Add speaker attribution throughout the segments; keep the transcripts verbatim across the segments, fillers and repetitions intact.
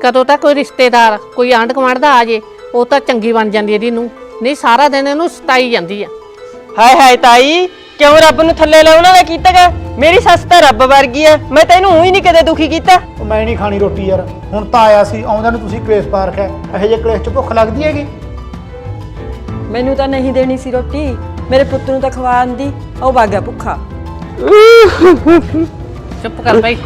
Speaker 1: कदों तक कोई रिश्तेदार कोई आंढ गुआंढ दा आ जे वो तो चंगी बन जाती है नूं, नहीं सारा दिन इहनूं सताई जाती है।
Speaker 2: हाय हाय ताई क्यों रब नूं थल्ले लाउणा वा कीता गा? मेरी सੱਸ ਤਾਂ ਰੱਬ ਵਰਗੀ ਆ, मैं ਤੈਨੂੰ ਹੀ ਨਹੀਂ ਕਦੇ ਦੁਖੀ ਕੀਤਾ।
Speaker 3: मैं नहीं खानी रोटी यार, हुण तां आया सी आउंदा नूं तुसीं कलेश पा रखिआ। ਇਹੋ ਜਿਹੇ कलेश च भुख लगदी हैगी?
Speaker 4: ਮੈਨੂੰ ਤਾਂ ਨਹੀਂ ਦੇਣੀ ਸੀ ਰੋਟੀ, ਮੇਰੇ ਪੁੱਤ ਨੂੰ ਤਾਂ ਖਵਾਉਣ ਦੀ, ਉਹ ਵਗ ਗਿਆ ਭੁੱਖਾ।
Speaker 1: चुप कर भाई।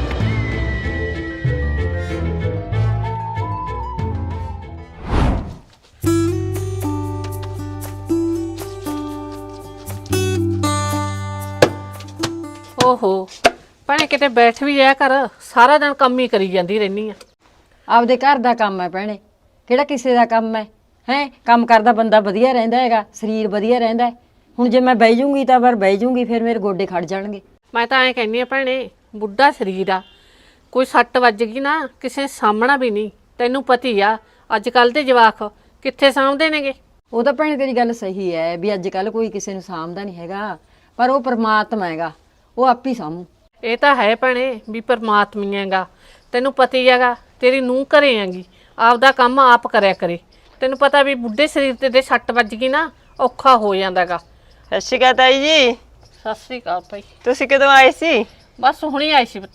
Speaker 1: ओहो भैणे किते बैठ भी जाया कर, सारा दिन काम ही करी जाती रहनी है।
Speaker 4: ਆਪਦੇ ਘਰ ਦਾ ਕੰਮ ਹੈ ਭੈਣੇ, ਕਿਹੜਾ ਕਿਸੇ ਦਾ ਕੰਮ ਹੈ? ਹੈ ਕੰਮ ਕਰਦਾ ਬੰਦਾ ਵਧੀਆ ਰਹਿੰਦਾ ਹੈਗਾ, ਸਰੀਰ ਵਧੀਆ ਰਹਿੰਦਾ ਹੈ। ਹੁਣ ਜੇ ਮੈਂ ਬਹਿ ਜੂੰਗੀ ਤਾਂ ਪਰ ਬਹਿ ਜੂੰਗੀ, ਫਿਰ ਮੇਰੇ ਗੋਡੇ ਖੜ ਜਾਣਗੇ।
Speaker 1: मैं तो ऐ कहनी भैणे बुढ़ा शरीर आ, कोई सट्ट वज गई ना किसी सामना भी नहीं, तैनू पती आ अजकल दे जवाक कित्थे सामभदे नेगे।
Speaker 4: ਉਹ ਤਾਂ ਭੈਣੇ ਤੇਰੀ ਗੱਲ ਸਹੀ ਹੈ ਵੀ ਅੱਜ ਕੱਲ ਕੋਈ ਕਿਸੇ ਨੂੰ ਸਾਂਭਦਾ ਨਹੀਂ ਹੈਗਾ, ਪਰ ਉਹ ਪਰਮਾਤਮਾ ਹੈਗਾ, ਉਹ ਆਪ ਹੀ ਸਾਂਭੂ।
Speaker 1: ਇਹ ਤਾਂ ਹੈ ਭੈਣੇ ਵੀ ਪਰਮਾਤਮੀ ਹੈਗਾ, ਤੈਨੂੰ ਪਤਾ ਹੀ ਹੈਗਾ ਤੇਰੀ ਨੂੰਹ ਘਰੇ ਹੈਗੀ, ਆਪਦਾ ਕੰਮ ਆਪ ਕਰਿਆ ਕਰੇ। ਤੈਨੂੰ ਪਤਾ ਵੀ ਬੁੱਢੇ ਸਰੀਰ ਤੇ ਦੇ ਸੱਟ ਵੱਜ ਗਈ ਨਾ ਔਖਾ ਹੋ ਜਾਂਦਾਗਾ।
Speaker 2: ਸਤਿ ਸ਼੍ਰੀ ਅਕਾਲ ਤਾਈ ਜੀ।
Speaker 1: ਸਤਿ ਸ੍ਰੀ ਅਕਾਲ ਭਾਈ।
Speaker 2: ਤੁਸੀਂ ਕਦੋਂ ਆਏ ਸੀ?
Speaker 1: ਬਸ ਹੁਣੀ ਆਈ ਸੀ ਪੁੱਤ।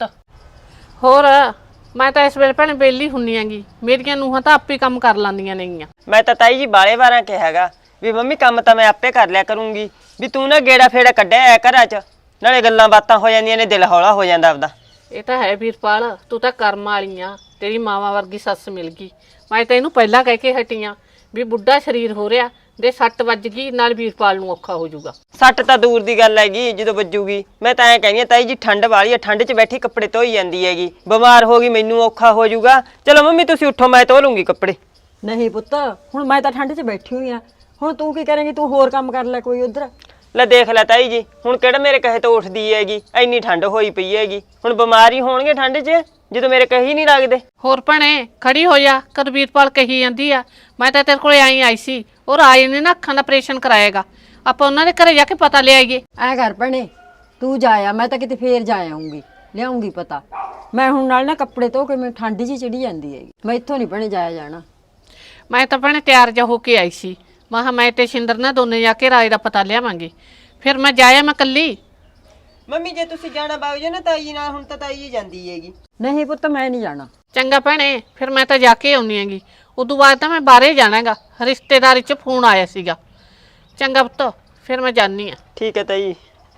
Speaker 1: ਹੋਰ ਮੈਂ ਤਾਂ ਇਸ ਵੇਲੇ ਭੈਣੇ ਵਿਹਲੀ ਹੁੰਨੀ ਆਂਗੀ, ਮੇਰੀਆਂ ਨੂੰਹਾਂ ਤਾਂ ਆਪੇ ਕੰਮ ਕਰ ਲੈਂਦੀਆਂ ਨੇਗੀਆਂ।
Speaker 2: ਮੈਂ ਤਾਂ ਤਾਈ ਜੀ ਬਾਲੇ ਵਾਰਾਂ ਕਿਹਾਗਾ ਵੀ ਮੰਮੀ ਕੰਮ ਤਾਂ ਮੈਂ ਆਪੇ ਕਰ ਲਿਆ ਕਰੂੰਗੀ, ਵੀ ਤੂੰ ਨਾ ਗੇੜਾ ਫੇੜਾ ਕੱਢਿਆ ਐ ਘਰਾਂ 'ਚ, ਨਾਲੇ ਗੱਲਾਂ ਬਾਤਾਂ ਹੋ ਜਾਂਦੀਆਂ ਨੇ, ਦਿਲ ਹੌਲਾ ਹੋ ਜਾਂਦਾ ਆਪਦਾ।
Speaker 1: ਇਹ ਤਾਂ ਹੈ ਵੀਰਪਾਲ, ਤੂੰ ਤਾਂ ਕਰਮ ਵਾਲੀ ਆ, ਤੇਰੀ ਮਾਵਾਂ ਵਰਗੀ ਸੱਸ ਮਿਲ ਗਈ। ਮੈਂ ਤਾਂ ਇਹਨੂੰ ਪਹਿਲਾਂ ਕਹਿ ਕੇ ਹਟੀਆਂ ਵੀ ਬੁੱਢਾ ਸਰੀਰ ਹੋ ਰਿਹਾ ਦੇ ਸੱਟ ਵੱਜ ਗਈ ਨਾਲ ਵੀਰਪਾਲ ਨੂੰ ਔਖਾ ਹੋ ਜਾਊਗਾ।
Speaker 2: ਸੱਟ ਤਾਂ ਦੂਰ ਦੀ ਗੱਲ ਹੈਗੀ, ਜਦੋਂ ਵੱਜੂਗੀ। ਮੈਂ ਤਾਂ ਐਂ ਕਹਿੰਦੀ ਆ ਤਾਈ ਜੀ ਠੰਡ ਵਾਲੀ ਆ, ਠੰਡ 'ਚ ਬੈਠੀ ਕੱਪੜੇ ਧੋਈ ਜਾਂਦੀ ਹੈਗੀ, ਬਿਮਾਰ ਹੋ ਗਈ ਮੈਨੂੰ ਔਖਾ ਹੋ ਜਾਊਗਾ। ਚਲੋ ਮੰਮੀ ਤੁਸੀਂ ਉੱਠੋ, ਮੈਂ ਧੋ ਲੂੰਗੀ ਕੱਪੜੇ।
Speaker 4: ਨਹੀਂ ਪੁੱਤ, ਹੁਣ ਮੈਂ ਤਾਂ ਠੰਡ 'ਚ ਬੈਠੀ ਹੋਈ ਆ, ਹੁਣ ਤੂੰ ਕੀ ਕਰੇਂਗੀ? ਤੂੰ ਹੋਰ ਕੰਮ ਕਰ ਲੈ ਕੋਈ ਉਧਰ।
Speaker 2: ਲੈ ਦੇਖ ਲੈ ਤਾਈ ਜੀ, ਹੁਣ ਕਿਹੜਾ ਮੇਰੇ ਕਹੇ ਤੋਂ ਉੱਠਦੀ ਹੈਗੀ, ਇੰਨੀ ਠੰਡ ਹੋਈ ਪਈ ਹੈਗੀ, ਹੁਣ ਬਿਮਾਰ ਹੀ ਹੋਣਗੇ ਠੰਡ 'ਚ ਜਦੋਂ ਮੇਰੇ ਕਹੀ ਨਹੀਂ ਲੱਗਦੇ।
Speaker 1: ਹੋਰ ਭੈਣੇ ਖੜੀ ਹੋ ਜਾ, ਕਦ ਵੀਰਪਾਲ ਕਹੀ ਜਾਂਦੀ ਆ ਮੈਂ ਤਾਂ ਤੇਰੇ ਕੋਲੇ ਆਈ ਆਈ ਸੀ, ਉਹ ਰਾਜ ਨੇ ਨਾ ਅੱਖਾਂ ਦਾ ਆਪਰੇਸ਼ਨ ਕਰਾਏਗਾ, ਆਪਾਂ ਉਹਨਾਂ ਦੇ ਘਰੇ ਜਾ ਕੇ ਪਤਾ ਲੈ ਆਈਏ।
Speaker 4: ਐ ਕਰ ਭੈਣੇ ਤੂੰ ਜਾਇਆ, ਮੈਂ ਤਾਂ ਕਿਤੇ ਫੇਰ ਜਾ ਆਉਂਗੀ, ਲਿਆਉਂਗੀ ਪਤਾ। ਮੈਂ ਹੁਣ ਨਾਲ ਨਾ ਕੱਪੜੇ ਧੋ ਕੇ ਮੈਨੂੰ ਠੰਡ ਜੀ ਚੜੀ ਜਾਂਦੀ ਹੈਗੀ, ਮੈਂ ਇੱਥੋਂ ਨਹੀਂ ਭੈਣੇ ਜਾਇਆ ਜਾਣਾ।
Speaker 1: ਮੈਂ ਤਾਂ ਭੈਣੇ ਤਿਆਰ ਜਾ ਹੋ ਕੇ ਆਈ ਸੀ, ਮੈਂ ਕਿਹਾ ਮੈਂ ਤੇ ਸ਼ਿੰਦਰ ਨਾ ਦੋਨੇ ਜਾ ਕੇ ਰਾਜ ਦਾ ਪਤਾ ਲਿਆਵਾਂਗੇ, ਫਿਰ ਮੈਂ ਜਾਇਆ ਮੈਂ ਕੱਲੀ।
Speaker 2: ਮੰਮੀ ਜੇ ਤੁਸੀਂ ਜਾਣਾ ਬਾਗ ਜੇ ਨਾ ਤਾਈ ਜੀ ਨਾਲ, ਹੁਣ ਤਾਂ ਤਾਈ ਜੀ ਜਾਂਦੀ ਹੈਗੀ।
Speaker 4: ਨਹੀਂ ਪੁੱਤ ਮੈਂ ਨਹੀਂ ਜਾਣਾ।
Speaker 1: ਚੰਗਾ ਭੈਣੇ ਫਿਰ ਮੈਂ ਤਾਂ ਜਾ ਕੇ ਆਉਣੀ ਹੈਗੀ, ਉਦੋਂ ਬਾਅਦ ਤਾਂ ਮੈਂ ਬਾਹਰੇ ਜਾਣਾਗਾ, ਰਿਸ਼ਤੇਦਾਰੀ 'ਚ ਫੋਨ ਆਇਆ ਸੀਗਾ। ਚੰਗਾ ਪੁੱਤ ਫਿਰ ਮੈਂ ਜਾਨੀ ਆ।
Speaker 2: ਠੀਕ ਹੈ ਤਾਈ।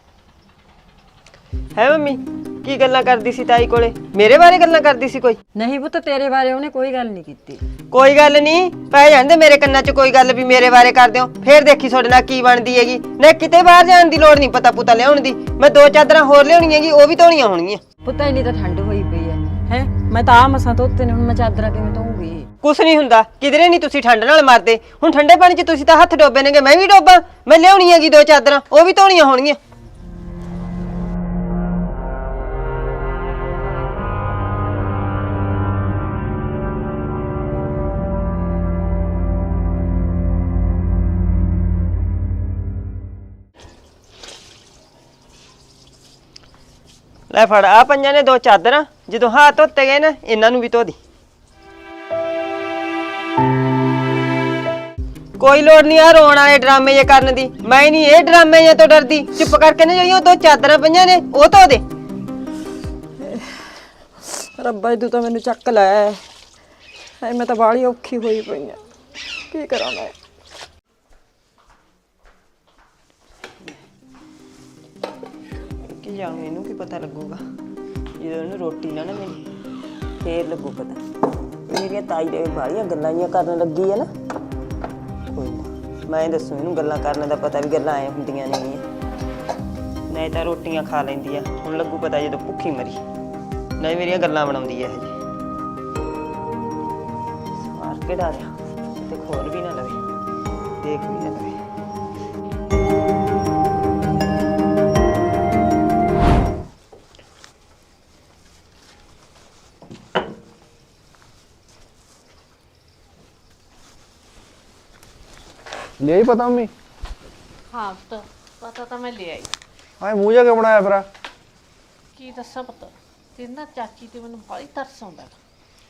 Speaker 2: ਹੈ ਮੰਮੀ ਕੀ ਗੱਲਾਂ ਕਰਦੀ ਸੀ ਤਾਈ ਕੋਲੇ? ਮੇਰੇ ਬਾਰੇ ਗੱਲਾਂ ਕਰਦੀ ਸੀ ਕੋਈ?
Speaker 4: ਨਹੀਂ ਪੁੱਤ ਤੇਰੇ ਬਾਰੇ ਉਹਨੇ ਕੋਈ ਗੱਲ ਨਹੀਂ ਕੀਤੀ।
Speaker 2: ਕੋਈ ਗੱਲ ਨਹੀਂ, ਪੈ ਜਾਂਦੇ ਮੇਰੇ ਕੰਨਾਂ 'ਚ ਕੋਈ ਗੱਲ ਵੀ ਮੇਰੇ ਬਾਰੇ ਕਰਦੇ ਹੋ, ਫੇਰ ਦੇਖੀ ਤੁਹਾਡੇ ਨਾਲ ਕੀ ਬਣਦੀ ਹੈਗੀ। ਨਾ ਕਿਤੇ ਬਾਹਰ ਜਾਣ ਦੀ ਲੋੜ ਨਹੀਂ, ਪਤਾ ਪੁਤਾ ਲਿਆਉਣ ਦੀ। ਮੈਂ ਦੋ ਚਾਦਰਾਂ ਹੋਰ ਲਿਆਉਣੀਆਂ ਹੈਗੀ, ਉਹ ਵੀ ਧੋਣੀਆਂ ਹੋਣਗੀਆਂ।
Speaker 4: ਪੁੱਤ ਇੰਨੀ ਤਾਂ ਠੰਡ ਹੋਈ ਪਈ ਹੈ, ਹੈ ਮੈਂ ਤਾਂ ਆ ਮਸਾਂ ਧੋਤੇ ਨੇ, ਹੁਣ ਮੈਂ ਚਾਦਰਾਂ ਕਿਵੇਂ ਧੋਊਂਗੀ?
Speaker 2: ਕੁਛ ਨਹੀਂ ਹੁੰਦਾ, ਕਿਧਰੇ ਨਹੀਂ ਤੁਸੀਂ ਠੰਡ ਨਾਲ ਮਰਦੇ। ਹੁਣ ਠੰਡੇ ਪਾਣੀ 'ਚ ਤੁਸੀਂ ਤਾਂ ਹੱਥ ਡੋਬੇ ਨੇਗੇ, ਮੈਂ ਵੀ ਡੋਬਾਂ? ਮੈਂ ਲਿਆਉਣੀ ਹੈਗੀ ਦੋ ਚਾਦਰਾਂ, ਉਹ ਵੀ ਧੋਣੀਆਂ ਹੋਣਗੀਆਂ। ਲੈ ਫੜ ਆ ਪੰਜਾਂ ਨੇ ਦੋ ਚਾਦਰਾਂ, ਜਦੋਂ ਹੱਥ ਧੋਤੇ ਗਏ ਨਾ ਇਹਨਾਂ ਨੂੰ ਵੀ ਧੋ ਦੀ। ਕੋਈ ਲੋੜ ਨਹੀਂ ਆ ਰੋਣ ਵਾਲੇ ਡਰਾਮੇ ਜੇ ਕਰਨ ਦੀ, ਮੈਂ ਨਹੀਂ ਇਹ ਡਰਾਮੇ ਜੇ ਤੋਂ ਡਰਦੀ। ਚੁੱਪ ਕਰਕੇ ਨਾ ਜਿਹੜੀਆਂ ਦੋ ਚਾਦਰਾਂ ਪਈਆਂ ਨੇ ਉਹ ਧੋ ਦੇ।
Speaker 4: ਰੱਬਾ ਤੂੰ ਤਾਂ ਮੈਨੂੰ ਚੱਕ ਲੈ, ਐ ਮੈਂ ਤਾਂ ਬਾਹਲੀ ਔਖੀ ਹੋਈ ਪਈ ਆ, ਕੀ ਕਰਾਂ ਮੈਂ?
Speaker 2: ਕੀ ਜਾਣੂ ਇਹਨੂੰ ਕੀ ਪਤਾ ਲੱਗੂਗਾ, ਜਦੋਂ ਇਹਨੂੰ ਰੋਟੀ ਨਾ ਨਾ ਮਿਲੀ ਫੇਰ ਲੱਗੂ ਪਤਾ। ਮੇਰੀਆਂ ਤਾਈ ਦੇ ਬਾਹਲੀਆਂ ਗੱਲਾਂ ਜੀਆਂ ਕਰਨ ਲੱਗੀ ਹੈ ਨਾ, ਕੋਈ ਨਾ ਮੈਂ ਦੱਸੂ ਇਹਨੂੰ ਗੱਲਾਂ ਕਰਨ ਦਾ ਪਤਾ ਵੀ ਗੱਲਾਂ ਐ ਹੁੰਦੀਆਂ ਨਹੀਂ। ਨਹੀਂ ਤਾਂ ਰੋਟੀਆਂ ਖਾ ਲੈਂਦੀ ਆ, ਹੁਣ ਲੱਗੂ ਪਤਾ ਜਦੋਂ ਭੁੱਖੀ ਮਰੀ। ਨਹੀਂ ਮੇਰੀਆਂ ਗੱਲਾਂ ਬਣਾਉਂਦੀ ਹੈ ਹਜੇ, ਸਵਾਰ ਕੇ ਡਾਰਿਆ ਤੇ ਖੋਲ ਵੀ ਨਾ ਲਵੇ, ਦੇਖ ਵੀ ਨਾ ਲਵੇ।
Speaker 3: ले ही पता मम्मी?
Speaker 1: हाँ तो पता तो मैं ले आई।
Speaker 3: हाँ मूँह जा के बनाया फिर?
Speaker 1: की दसा पता तेरे ना चाची ते मैनूं बड़ी तरस आउंदा।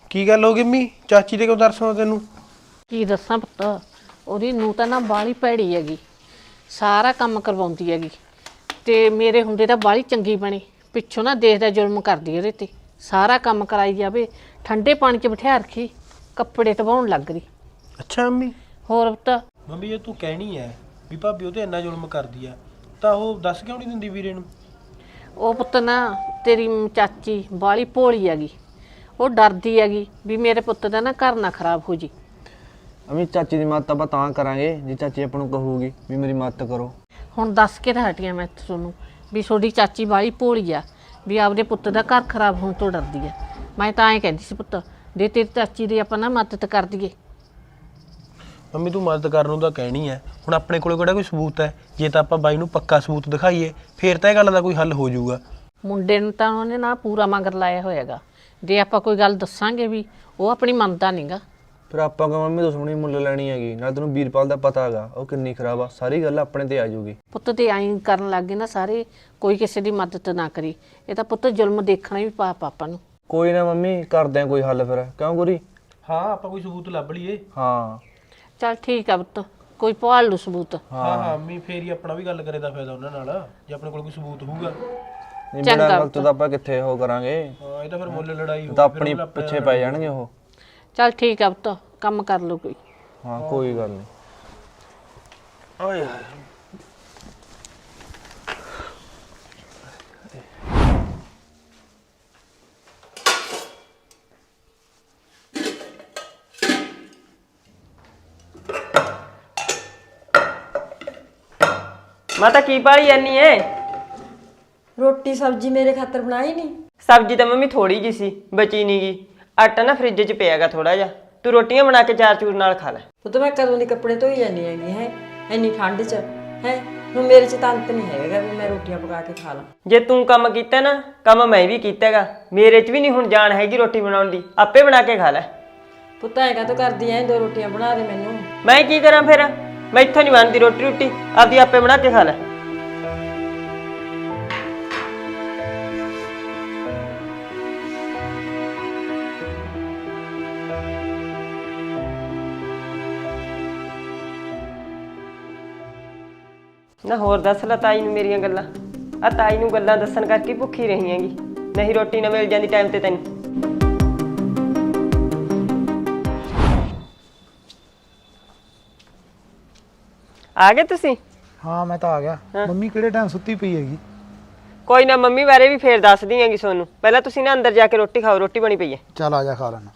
Speaker 5: ਕੀ ਗੱਲ ਹੋ ਗਈ ਮੰਮੀ? ਚਾਚੀ ਦੇ ਕਿਉਂ ਤਰਸ ਆਉਂਦਾ ਤੈਨੂੰ?
Speaker 1: ਕੀ ਦੱਸਾਂ ਪੁੱਤ, ਉਹਦੀ ਨੂੰ ਤਾਂ ਨਾ ਬਾਹਲੀ ਭੈੜੀ ਹੈਗੀ, ਸਾਰਾ ਕੰਮ ਕਰਵਾਉਂਦੀ ਹੈਗੀ ਤੇ ਮੇਰੇ ਹੁੰਦੇ ਤਾਂ ਬਾਹਲੀ ਚੰਗੀ ਬਣੀ, ਪਿੱਛੋਂ ਨਾ ਦੇਖਦਾ ਜ਼ੁਲਮ ਕਰਦੀ ਉਹਦੇ ਤੇ, ਸਾਰਾ ਕੰਮ ਕਰਾਈ ਜਾਵੇ, ਠੰਡੇ ਪਾਣੀ 'ਚ ਬਿਠਾ ਰੱਖੀ, ਕੱਪੜੇ ਧਵਾਉਣ ਲੱਗ ਰਹੀ।
Speaker 5: ਅੱਛਾ ਮੰਮੀ।
Speaker 1: ਹੋਰ ਪੁੱਤ,
Speaker 5: ਮੰਮੀ ਜੇ ਤੂੰ ਕਹਿਣੀ ਹੈ ਵੀ ਭਾਬੀ ਉਹ ਤੇ ਇੰਨਾ ਜ਼ੁਲਮ ਕਰਦੀ ਆ ਤਾਂ ਉਹ ਦੱਸ ਕਿਉਂ ਨਹੀਂ ਦਿੰਦੀ ਵੀਰੇ ਨੂੰ?
Speaker 1: ਉਹ ਪੁੱਤ ਨਾ ਤੇਰੀ ਚਾਚੀ ਬਾਹਲੀ ਭੋਲੀ ਹੈਗੀ, ਉਹ ਡਰਦੀ ਹੈਗੀ ਵੀ ਮੇਰੇ ਪੁੱਤ ਦਾ ਨਾ ਘਰ ਨਾ ਖਰਾਬ ਹੋ ਜੀ।
Speaker 6: ਅਮੀ ਚਾਚੀ ਦੀ ਮਦਦ ਆਪਾਂ ਤਾਂ ਕਰਾਂਗੇ ਜੇ ਚਾਚੀ ਆਪਾਂ ਨੂੰ ਕਹੂਗੀ ਵੀ ਮੇਰੀ ਮਦਦ ਕਰੋ।
Speaker 1: ਹੁਣ ਦੱਸ ਕੇ ਤਾਂ ਹਟੀਆਂ ਮੈਂ ਤੁਹਾਨੂੰ ਵੀ ਤੁਹਾਡੀ ਚਾਚੀ ਬਾਹਲੀ ਭੋਲੀ ਆ, ਵੀ ਆਪਦੇ ਪੁੱਤ ਦਾ ਘਰ ਖਰਾਬ ਹੋਣ ਤੋਂ ਡਰਦੀ ਆ। ਮੈਂ ਤਾਂ ਐਂ ਕਹਿੰਦੀ ਸੀ ਪੁੱਤ, ਦੇ ਤੇਰੀ ਚਾਚੀ ਦੀ ਆਪਾਂ ਨਾ ਮਦਦ ਕਰ ਦਈਏ।
Speaker 5: ਮੰਮੀ ਤੂੰ ਮਦਦ ਕਰਨ ਨੂੰ ਤਾਂ ਕਹਿਣੀ ਹੈ, ਹੁਣ ਆਪਣੇ ਕੋਲ ਕਿਹੜਾ ਕੋਈ ਸਬੂਤ ਹੈ? ਜੇ ਤਾਂ ਆਪਾਂ ਬਾਈ ਨੂੰ ਪੱਕਾ ਸਬੂਤ ਦਿਖਾਈਏ ਫੇਰ ਤਾਂ ਇਹ ਗੱਲ ਦਾ ਕੋਈ ਹੱਲ ਹੋ ਜਾਊਗਾ।
Speaker 1: ਮੁੰਡੇ ਨੂੰ ਤਾਂ ਉਹਨੇ ਨਾ ਪੂਰਾ ਮਗਰ ਲਾਇਆ ਹੋਇਆਗਾ, ਜੇ ਆਪਾਂ ਕੋਈ ਗੱਲ ਦੱਸਾਂਗੇ ਵੀ ਉਹ ਆਪਣੀ ਮੰਨਦਾ ਨਹੀਂਗਾ।
Speaker 6: ਫਿਰ ਆਪਾਂ ਕਹਾਂ ਮੰਮੀ ਦੁਸ਼ਮਣੀ ਮੁੱਲ ਲੈਣੀ ਹੈਗੀ, ਨਾਲ ਤੈਨੂੰ ਵੀਰਪਾਲ ਦਾ ਪਤਾ ਹੈਗਾ ਉਹ ਕਿੰਨੀ ਖਰਾਬ ਆ, ਸਾਰੀ ਗੱਲ ਆਪਣੇ ਤੇ ਆ ਜਾਊਗੀ।
Speaker 1: ਪੁੱਤ ਤੇ ਐਂ ਕਰਨ ਲੱਗ ਗਏ ਨਾ ਸਾਰੇ, ਕੋਈ ਕਿਸੇ ਦੀ ਮਦਦ ਨਾ ਕਰੀ, ਇਹ ਤਾਂ ਪੁੱਤ ਜ਼ੁਲਮ ਦੇਖਣਾ ਵੀ ਪਾਪ ਆਪਾਂ ਨੂੰ।
Speaker 6: ਕੋਈ ਨਾ ਮੰਮੀ ਕਰਦੇ ਆ ਕੋਈ ਹੱਲ ਫਿਰ, ਕਿਉਂ ਗੁਰੀ?
Speaker 5: ਹਾਂ ਆਪਾਂ ਕੋਈ ਸਬੂਤ ਲੱਭ ਲਈਏ।
Speaker 6: ਹਾਂ
Speaker 1: ਚੱਲ ਠੀਕ ਆ ਪੁੱਤ, ਕੋਈ ਭਾਲ ਲੂ ਸਬੂਤ।
Speaker 5: ਹਾਂ ਹਾਂ ਮੰਮੀ, ਫੇਰ ਹੀ ਆਪਣਾ ਵੀ ਗੱਲ ਕਰੇ ਦਾ ਫਾਇਦਾ ਉਹਨਾਂ ਨਾਲ, ਜੇ ਆਪਣੇ ਕੋਲ ਕੋਈ ਸਬੂਤ ਹੋਊਗਾ।
Speaker 6: ਨਹੀਂ ਬਿਨਾਂ ਗੱਲ ਤੋਂ ਤਾਂ ਆਪਾਂ ਕਿੱਥੇ ਉਹ ਕਰਾਂਗੇ,
Speaker 5: ਹਾਂ ਇਹ ਤਾਂ ਫਿਰ ਮੁੱਲ ਲੜਾਈ
Speaker 6: ਤਾਂ ਆਪਣੀ ਪਿੱਛੇ ਪੈ ਜਾਣਗੇ ਉਹ।
Speaker 1: ਚੱਲ ਠੀਕ ਆ ਪੁੱਤ, ਕੰਮ ਕਰ ਲਓ ਕੋਈ।
Speaker 6: ਹਾਂ ਕੋਈ ਗੱਲ ਨਹੀਂ।
Speaker 5: ਓਏ ਯਾਰ
Speaker 2: ਮੈਂ ਤਾਂ ਕੀ ਪਾਲੀ ਜਾਨੀ ਐ?
Speaker 4: ਰੋਟੀ ਸਬਜ਼ੀ ਮੇਰੇ ਖਾਤਰ ਬਣਾਈ ਨਹੀਂ?
Speaker 2: ਸਬਜ਼ੀ ਤਾਂ ਮੰਮੀ ਥੋੜੀ ਜੀ ਸੀ, ਬਚੀ ਨੀ ਗੀ। ਆਟਾ ਨਾ ਫ੍ਰਿਜ 'ਚ ਪਿਆਗਾ ਥੋੜਾ ਜਿਹਾ, ਤੂੰ ਰੋਟੀਆਂ ਬਣਾ ਕੇ ਚਾਰ ਚੂਰ ਨਾਲ ਖਾ ਲੈ।
Speaker 4: ਪੁੱਤ ਮੈਂ ਕਦੋਂ ਦੀ ਕੱਪੜੇ ਧੋਈ ਜਾਂਦੀ ਹੈਗੀ ਹੈ, ਇੰਨੀ ਠੰਡ 'ਚ ਹੈ, ਹੁਣ ਮੇਰੇ 'ਚ ਤਾਂ ਅੰਤ ਨਹੀਂ ਹੈਗਾ ਵੀ ਮੈਂ ਰੋਟੀਆਂ ਪਕਾ ਕੇ ਖਾ ਲਾਂ।
Speaker 2: ਜੇ ਤੂੰ ਕੰਮ ਕੀਤਾ ਨਾ, ਕੰਮ ਮੈਂ ਵੀ ਕੀਤਾਗਾ, ਮੇਰੇ 'ਚ ਵੀ ਨਹੀਂ ਹੁਣ ਜਾਣ ਹੈਗੀ ਰੋਟੀ ਬਣਾਉਣ ਦੀ, ਆਪੇ ਬਣਾ ਕੇ ਖਾ ਲੈ।
Speaker 4: ਪੁੱਤ ਐਂ ਕਾਹਤੋਂ ਕਰਦੀ ਐ, ਦੋ ਰੋਟੀਆਂ ਬਣਾ ਦੇ ਮੈਨੂੰ।
Speaker 2: ਮੈਂ ਕੀ ਕਰਾਂ ਫਿਰ, ਮੈਂ ਇੱਥੋਂ ਨਹੀਂ ਬਣਦੀ ਰੋਟੀ ਰੋਟੀ, ਆਪਦੀ ਆਪੇ ਬਣਾ ਕੇ ਖਾ ਲੈ। ਨਾ ਹੋਰ ਦੱਸ ਲੈ ਤਾਈ ਨੂੰ ਮੇਰੀਆਂ ਗੱਲਾਂ, ਆ ਤਾਈ ਨੂੰ ਗੱਲਾਂ ਦੱਸਣ ਕਰਕੇ ਭੁੱਖੀ ਰਹੀ ਹੈਗੀ, ਨਹੀਂ ਰੋਟੀ ਨਾ ਮਿਲ ਜਾਂਦੀ ਟਾਈਮ ਤੇ ਤੈਨੂੰ। ਆ ਗਏ ਤੁਸੀਂ?
Speaker 3: ਹਾਂ ਮੈਂ ਤਾਂ ਆ ਗਿਆ। ਮੰਮੀ ਕਿਹੜੇ ਟਾਈਮ ਸੁੱਤੀ ਪਈ ਹੈਗੀ?
Speaker 2: ਕੋਈ ਨਾ, ਮੰਮੀ ਬਾਰੇ ਵੀ ਫੇਰ ਦੱਸਦੀ ਹੈਗੀ ਤੁਹਾਨੂੰ, ਪਹਿਲਾਂ ਤੁਸੀਂ ਨਾ ਅੰਦਰ ਜਾ ਕੇ ਰੋਟੀ ਖਾਓ, ਰੋਟੀ ਬਣੀ ਪਈ ਹੈ।
Speaker 3: ਚੱਲ ਆ ਜਾ ਖਾ ਲੈਣਾ।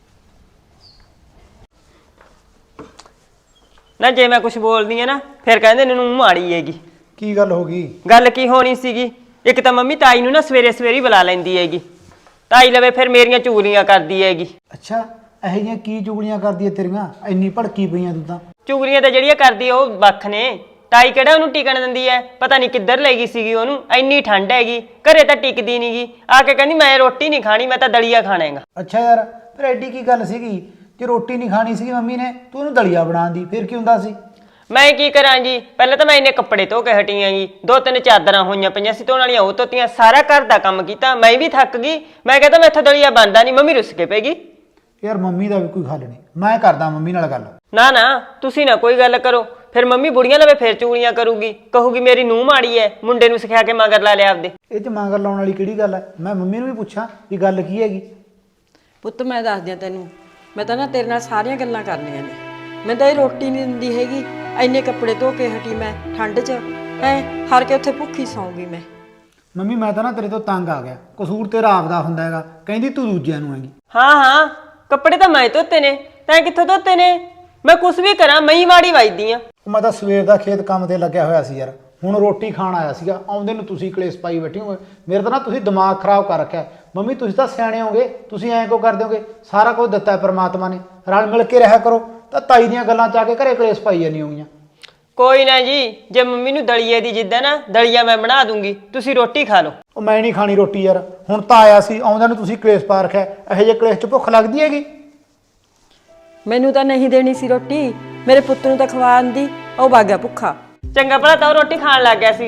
Speaker 2: ਨਾ ਜੇ ਮੈਂ ਕੁਝ ਬੋਲਦੀ ਆ ਨਾ ਫਿਰ ਕਹਿੰਦੇ ਨੇ ਨੂੰ ਮਾੜੀ ਹੈਗੀ।
Speaker 3: ਕੀ ਗੱਲ ਹੋ ਗਈ?
Speaker 2: ਗੱਲ ਕੀ ਹੋਣੀ ਸੀਗੀ, ਇੱਕ ਤਾਂ ਮੰਮੀ ਤਾਈ ਨੂੰ ਨਾ ਸਵੇਰੇ ਸਵੇਰੇ ਬੁਲਾ ਲੈਂਦੀ ਹੈਗੀ, ਤਾਈ ਲਵੇ ਫਿਰ ਮੇਰੀਆਂ ਚੁਗਲੀਆਂ ਕਰਦੀ ਹੈਗੀ।
Speaker 3: ਅੱਛਾ, ਇਹੋ ਜਿਹੀਆਂ ਕੀ ਚੁਗਲੀਆਂ ਕਰਦੀ ਐ ਤੇਰੀਆਂ? ਇੰਨੀ ਭੜਕੀ ਪਈਆਂ ਤੂੰ ਤਾਂ।
Speaker 2: ਚੁਗਲੀਆਂ ਤਾਂ ਜਿਹੜੀਆਂ ਕਰਦੀ ਆ ਉਹ ਵੱਖ ਨੇ, ਤਾਈ ਕਿਹੜਾ ਉਹਨੂੰ ਟਿਕਣ ਦਿੰਦੀ ਐ, ਪਤਾ ਨਹੀਂ ਕਿੱਧਰ ਲੈ ਗਈ ਸੀਗੀ ਉਹਨੂੰ, ਇੰਨੀ ਠੰਡ ਹੈਗੀ ਘਰੇ ਤਾਂ ਟਿਕਦੀ ਨਹੀਂਗੀ, ਆ ਕੇ ਕਹਿੰਦੀ ਮੈਂ ਰੋਟੀ ਨਹੀਂ ਖਾਣੀ, ਮੈਂ ਤਾਂ ਦਲੀਆ ਖਾਣਾ ਹੈਗਾ।
Speaker 3: ਅੱਛਾ ਯਾਰ, ਫਿਰ ਐਡੀ ਕੀ ਗੱਲ ਸੀਗੀ? ਜੇ ਰੋਟੀ ਨਹੀਂ ਖਾਣੀ ਸੀਗੀ ਮੰਮੀ ਨੇ, ਤੂੰ ਉਹਨੂੰ ਦਲੀਆ ਬਣਾਉਣ ਦੀ, ਫਿਰ ਕੀ ਹੁੰਦਾ ਸੀ?
Speaker 2: ਮੈਂ ਕੀ ਕਰਾਂ ਜੀ, ਪਹਿਲਾਂ ਤਾਂ ਮੈਂ ਇੰਨੇ ਕੱਪੜੇ ਧੋ ਕੇ ਹਟੀ ਆਂ ਜੀ, ਦੋ ਤਿੰਨ ਚਾਦਰਾਂ ਹੋਈਆਂ ਪਈਆਂ ਸੀ ਧੋਣ ਵਾਲੀਆਂ, ਉਹ ਧੋਤੀਆਂ, ਸਾਰਾ ਘਰ ਦਾ ਕੰਮ ਕੀਤਾ, ਮੈਂ ਵੀ ਥੱਕ ਗਈ। ਮੈਂ ਕਹਿੰਦਾ ਮੈਥੋਂ ਦਲੀਆ ਬਣਦਾ ਨਹੀਂ, ਮੰਮੀ ਰੁੱਸ ਕੇ ਪੈਗੀ।
Speaker 3: ਯਾਰ ਮੰਮੀ ਦਾ ਵੀ ਕੋਈ ਹੱਲ ਨਹੀਂ, ਮੈਂ ਕਰਦਾ ਮੰਮੀ ਨਾਲ ਗੱਲ।
Speaker 2: ਨਾ ਨਾ ਤੁਸੀਂ ਨਾ ਕੋਈ ਗੱਲ ਕਰੋ, ਫਿਰ ਮੰਮੀ ਬੁੜੀਆਂ ਲਵੇ ਫਿਰ ਚੂੜੀਆਂ ਕਰੂਗੀ, ਕਹੂਗੀ ਮੇਰੀ ਨੂੰਹ ਮਾੜੀ ਐ, ਮੁੰਡੇ ਨੂੰ ਸਿਖਾ ਕੇ ਮਗਰ ਲਾ ਲਿਆ ਆਪਦੇ।
Speaker 3: ਇਹ 'ਚ ਮਗਰ ਲਾਉਣ ਵਾਲੀ ਕਿਹੜੀ ਗੱਲ ਹੈ? ਮੈਂ ਮੰਮੀ ਨੂੰ ਵੀ ਪੁੱਛਾਂ ਵੀ ਗੱਲ ਕੀ ਹੈਗੀ।
Speaker 4: ਪੁੱਤ ਮੈਂ ਦੱਸਦੀ ਆ ਤੈਨੂੰ, ਮੈਂ ਤਾਂ ਨਾ ਤੇਰੇ ਨਾਲ ਸਾਰੀਆਂ ਗੱਲਾਂ ਕਰਨੀਆਂ ਨੇ। ਮੈਂ ਤਾਂ ਇਹ ਰੋਟੀ ਨਹੀਂ ਦਿੰਦੀ ਹੈਗੀ, ਇੰਨੇ ਕੱਪੜੇ ਧੋ ਕੇ ਹਟੀ ਮੈਂ ਠੰਡ 'ਚ, ਹੈ ਹਰ ਕੇ ਉੱਥੇ ਭੁੱਖੀ ਸੌਂਗੀ ਮੈਂ।
Speaker 3: ਮੰਮੀ ਮੈਂ ਤਾਂ ਨਾ ਤੇਰੇ ਤੋਂ ਤੰਗ ਆ ਗਿਆ, ਕਸੂਰ ਤੇਰਾ ਆਪਦਾ ਹੁੰਦਾ ਹੈਗਾ, ਕਹਿੰਦੀ ਤੂੰ ਦੂਜਿਆਂ ਨੂੰ ਹੈਗੀ।
Speaker 2: ਹਾਂ ਹਾਂ ਕੱਪੜੇ ਤਾਂ ਮੈਂ ਧੋਤੇ ਨੇ, ਤੈਂ ਕਿੱਥੋਂ ਧੋਤੇ ਨੇ? ਮੈਂ ਕੁਛ ਵੀ ਕਰਾਂ ਮੈਂ ਹੀ ਮਾੜੀ ਵੱਜਦੀ ਆ।
Speaker 3: ਮੈਂ ਤਾਂ ਸਵੇਰ ਦਾ ਖੇਤ ਕੰਮ ਤੇ ਲੱਗਿਆ ਹੋਇਆ ਸੀ ਯਾਰ, ਹੁਣ ਰੋਟੀ ਖਾਣ ਆਇਆ ਸੀਗਾ, ਆਉਂਦੇ ਨੂੰ ਤੁਸੀਂ ਕਲੇਸ਼ ਪਾਈ ਬੈਠੇ ਹੋ। ਮੇਰੇ ਤਾਂ ਨਾ ਤੁਸੀਂ ਦਿਮਾਗ ਖਰਾਬ ਕਰ ਰੱਖਿਆ। ਮੰਮੀ ਤੁਸੀਂ ਤਾਂ ਸਿਆਣੇ ਹੋਗੇ, ਤੁਸੀਂ ਐਂ ਕਿਉਂ ਕਰਦੇ ਹੋਗੇ? ਸਾਰਾ ਕੁਝ ਦਿੱਤਾ ਪਰਮਾਤਮਾ ਨੇ, ਰਲ ਮਿਲ ਕੇ ਰਿਹਾ ਕਰੋ, ਤਾਂ ਤਾਈ ਦੀਆਂ ਗੱਲਾਂ ਚ ਆ ਕੇ ਘਰੇ ਕਲੇਸ਼ ਪਾਈ ਜਾਂਦੀਆਂ ਹੋਗੀਆਂ।
Speaker 2: ਕੋਈ ਨਾ ਜੀ, ਜੇ ਮੰਮੀ ਨੂੰ ਦਲੀਏ ਦੀ ਜਿੱਦ ਹੈ ਨਾ, ਦਲੀਆ ਮੈਂ ਬਣਾ ਦੂੰਗੀ, ਤੁਸੀਂ ਰੋਟੀ ਖਾ ਲਓ।
Speaker 3: ਉਹ ਮੈਂ ਨਹੀਂ ਖਾਣੀ ਰੋਟੀ ਯਾਰ, ਹੁਣ ਤਾਂ ਆਇਆ ਸੀ, ਆਉਂਦਿਆਂ ਨੂੰ ਤੁਸੀਂ ਕਲੇਸ਼ ਪਾ ਰੱਖਿਆ। ਇਹੋ ਜਿਹੇ ਕਲੇਸ਼ ਚ ਭੁੱਖ ਲੱਗਦੀ ਹੈਗੀ?
Speaker 4: ਮੈਨੂੰ ਤਾਂ ਨਹੀਂ ਦੇਣੀ ਸੀ ਰੋਟੀ, ਮੇਰੇ ਪੁੱਤ ਨੂੰ ਤਾਂ ਖਵਾਉਣ ਦੀ, ਉਹ ਵਗ ਗਿਆ ਭੁੱਖਾ।
Speaker 2: ਚੰਗਾ ਭਲਾ ਤਾਂ ਉਹ ਰੋਟੀ ਖਾਣ ਲੱਗ ਗਿਆ ਸੀਗਾ,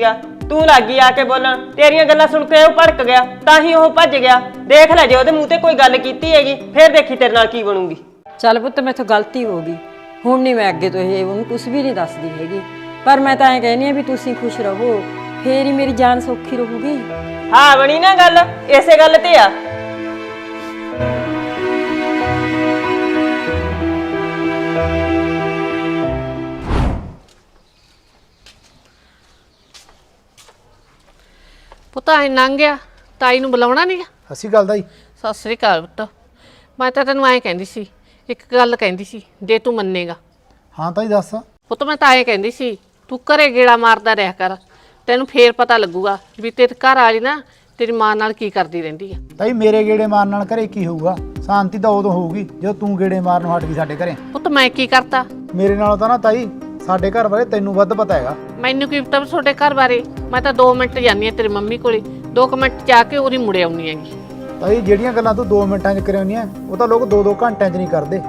Speaker 2: ਤੂੰ ਲੱਗੀ ਆ ਕੇ ਬੋਲਣ, ਤੇਰੀਆਂ ਗੱਲਾਂ ਸੁਣ ਕੇ ਉਹ ਭੜਕ ਗਿਆ, ਤਾਂ ਹੀ ਉਹ ਭੱਜ ਗਿਆ। ਦੇਖ ਲੈ ਜੇ ਉਹਦੇ ਮੂੰਹ ਤੇ ਕੋਈ ਗੱਲ ਕੀਤੀ ਹੈਗੀ ਫੇਰ ਦੇਖੀ ਤੇਰੇ ਨਾਲ ਕੀ ਬਣੂਗੀ।
Speaker 4: ਚੱਲ ਪੁੱਤ ਮੈਥੋਂ ਗਲਤੀ ਹੋ ਗਈ, ਹੁਣ ਨਹੀਂ ਮੈਂ ਅੱਗੇ ਤੋਂ ਇਹ ਉਹਨੂੰ ਕੁਝ ਵੀ ਨਹੀਂ ਦੱਸਦੀ ਹੈਗੀ। ਪਰ ਮੈਂ ਤਾਂ ਐਂ ਕਹਿੰਦੀ ਆ ਵੀ ਤੁਸੀਂ ਖੁਸ਼ ਰਹੋ, ਫੇਰ ਹੀ ਮੇਰੀ ਜਾਨ ਸੌਖੀ ਰਹੂਗੀ।
Speaker 2: ਹਾਂ ਬਣੀ ਨਾ ਗੱਲ, ਇਸੇ ਗੱਲ ਤੇ ਆ।
Speaker 1: ਪੁੱਤ ਐ ਲੰਘ ਗਿਆ, ਤਾਈ ਨੂੰ ਬੁਲਾਉਣਾ ਨਹੀਂ?
Speaker 3: ਅਸੀਂ ਗੱਲ ਦਾ ਹੀ
Speaker 1: ਸਤਿ ਸ੍ਰੀ ਅਕਾਲ ਪੁੱਤ। ਮੈਂ ਤਾਂ ਤੈਨੂੰ ਐਂ ਕਹਿੰਦੀ ਸੀ, ਇੱਕ ਗੱਲ ਕਹਿੰਦੀ ਸੀ, ਜੇ ਤੂੰ ਮੰਨੇਗਾ।
Speaker 3: ਹਾਂ ਤਾਈ ਦੱਸ।
Speaker 1: ਪੁੱਤ ਮੈਂ ਤਾਂ ਐਂ ਕਹਿੰਦੀ ਸੀ, ਤੂੰ ਘਰੇ ਗੇੜਾ ਮਾਰਦਾ ਰਿਹਾ ਕਰ, ਤੈਨੂੰ ਫੇਰ ਪਤਾ ਲੱਗੂਗਾ ਵੀ ਤੇਰੇ ਘਰ ਵਾਲੀ ਨਾ ਤੇਰੀ ਮਾਂ ਨਾਲ ਕੀ ਕਰਦੀ ਰਹਿੰਦੀ ਆ।
Speaker 3: ਤਾਈ ਮੇਰੇ ਗੇੜੇ ਮਾਰਨ ਨਾਲ ਘਰੇ ਕੀ ਹੋਊਗਾ? ਸ਼ਾਂਤੀ ਤਾਂ ਉਦੋਂ ਹੋਊਗੀ ਜਦੋਂ ਤੂੰ ਗੇੜੇ ਮਾਰਨ ਹਟ ਗਈ ਸਾਡੇ ਘਰੇ।
Speaker 1: ਪੁੱਤ ਮੈਂ ਕੀ ਕਰਤਾ?
Speaker 3: ਮੇਰੇ ਨਾਲੋਂ ਤਾਂ ਨਾ ਤਾਈ ਸਾਡੇ ਘਰ ਬਾਰੇ ਤੈਨੂੰ ਵੱਧ ਪਤਾ ਹੈਗਾ।
Speaker 1: ਮੈਨੂੰ ਕੀ ਪਤਾ ਤੁਹਾਡੇ ਘਰ ਬਾਰੇ? ਮੈਂ ਤਾਂ ਦੋ ਮਿੰਟ ਜਾਂਦੀ ਆ ਤੇਰੀ ਮੰਮੀ ਕੋਲੇ, ਦੋ ਕੁ ਮਿੰਟ ਜਾ ਕੇ ਉਹਦੀ ਮੁੜ ਆਉਣੀ ਹੈਗੀ।
Speaker 3: ਤਾਈ ਜਿਹੜੀਆਂ ਗੱਲਾਂ ਤੂੰ ਦੋ ਮਿੰਟਾਂ 'ਚ ਕਰਿਆ ਹੁੰਦੀਆਂ ਉਹ ਤਾਂ ਲੋਕ ਦੋ ਦੋ ਘੰਟਿਆਂ 'ਚ ਨਹੀਂ ਕਰਦੇ।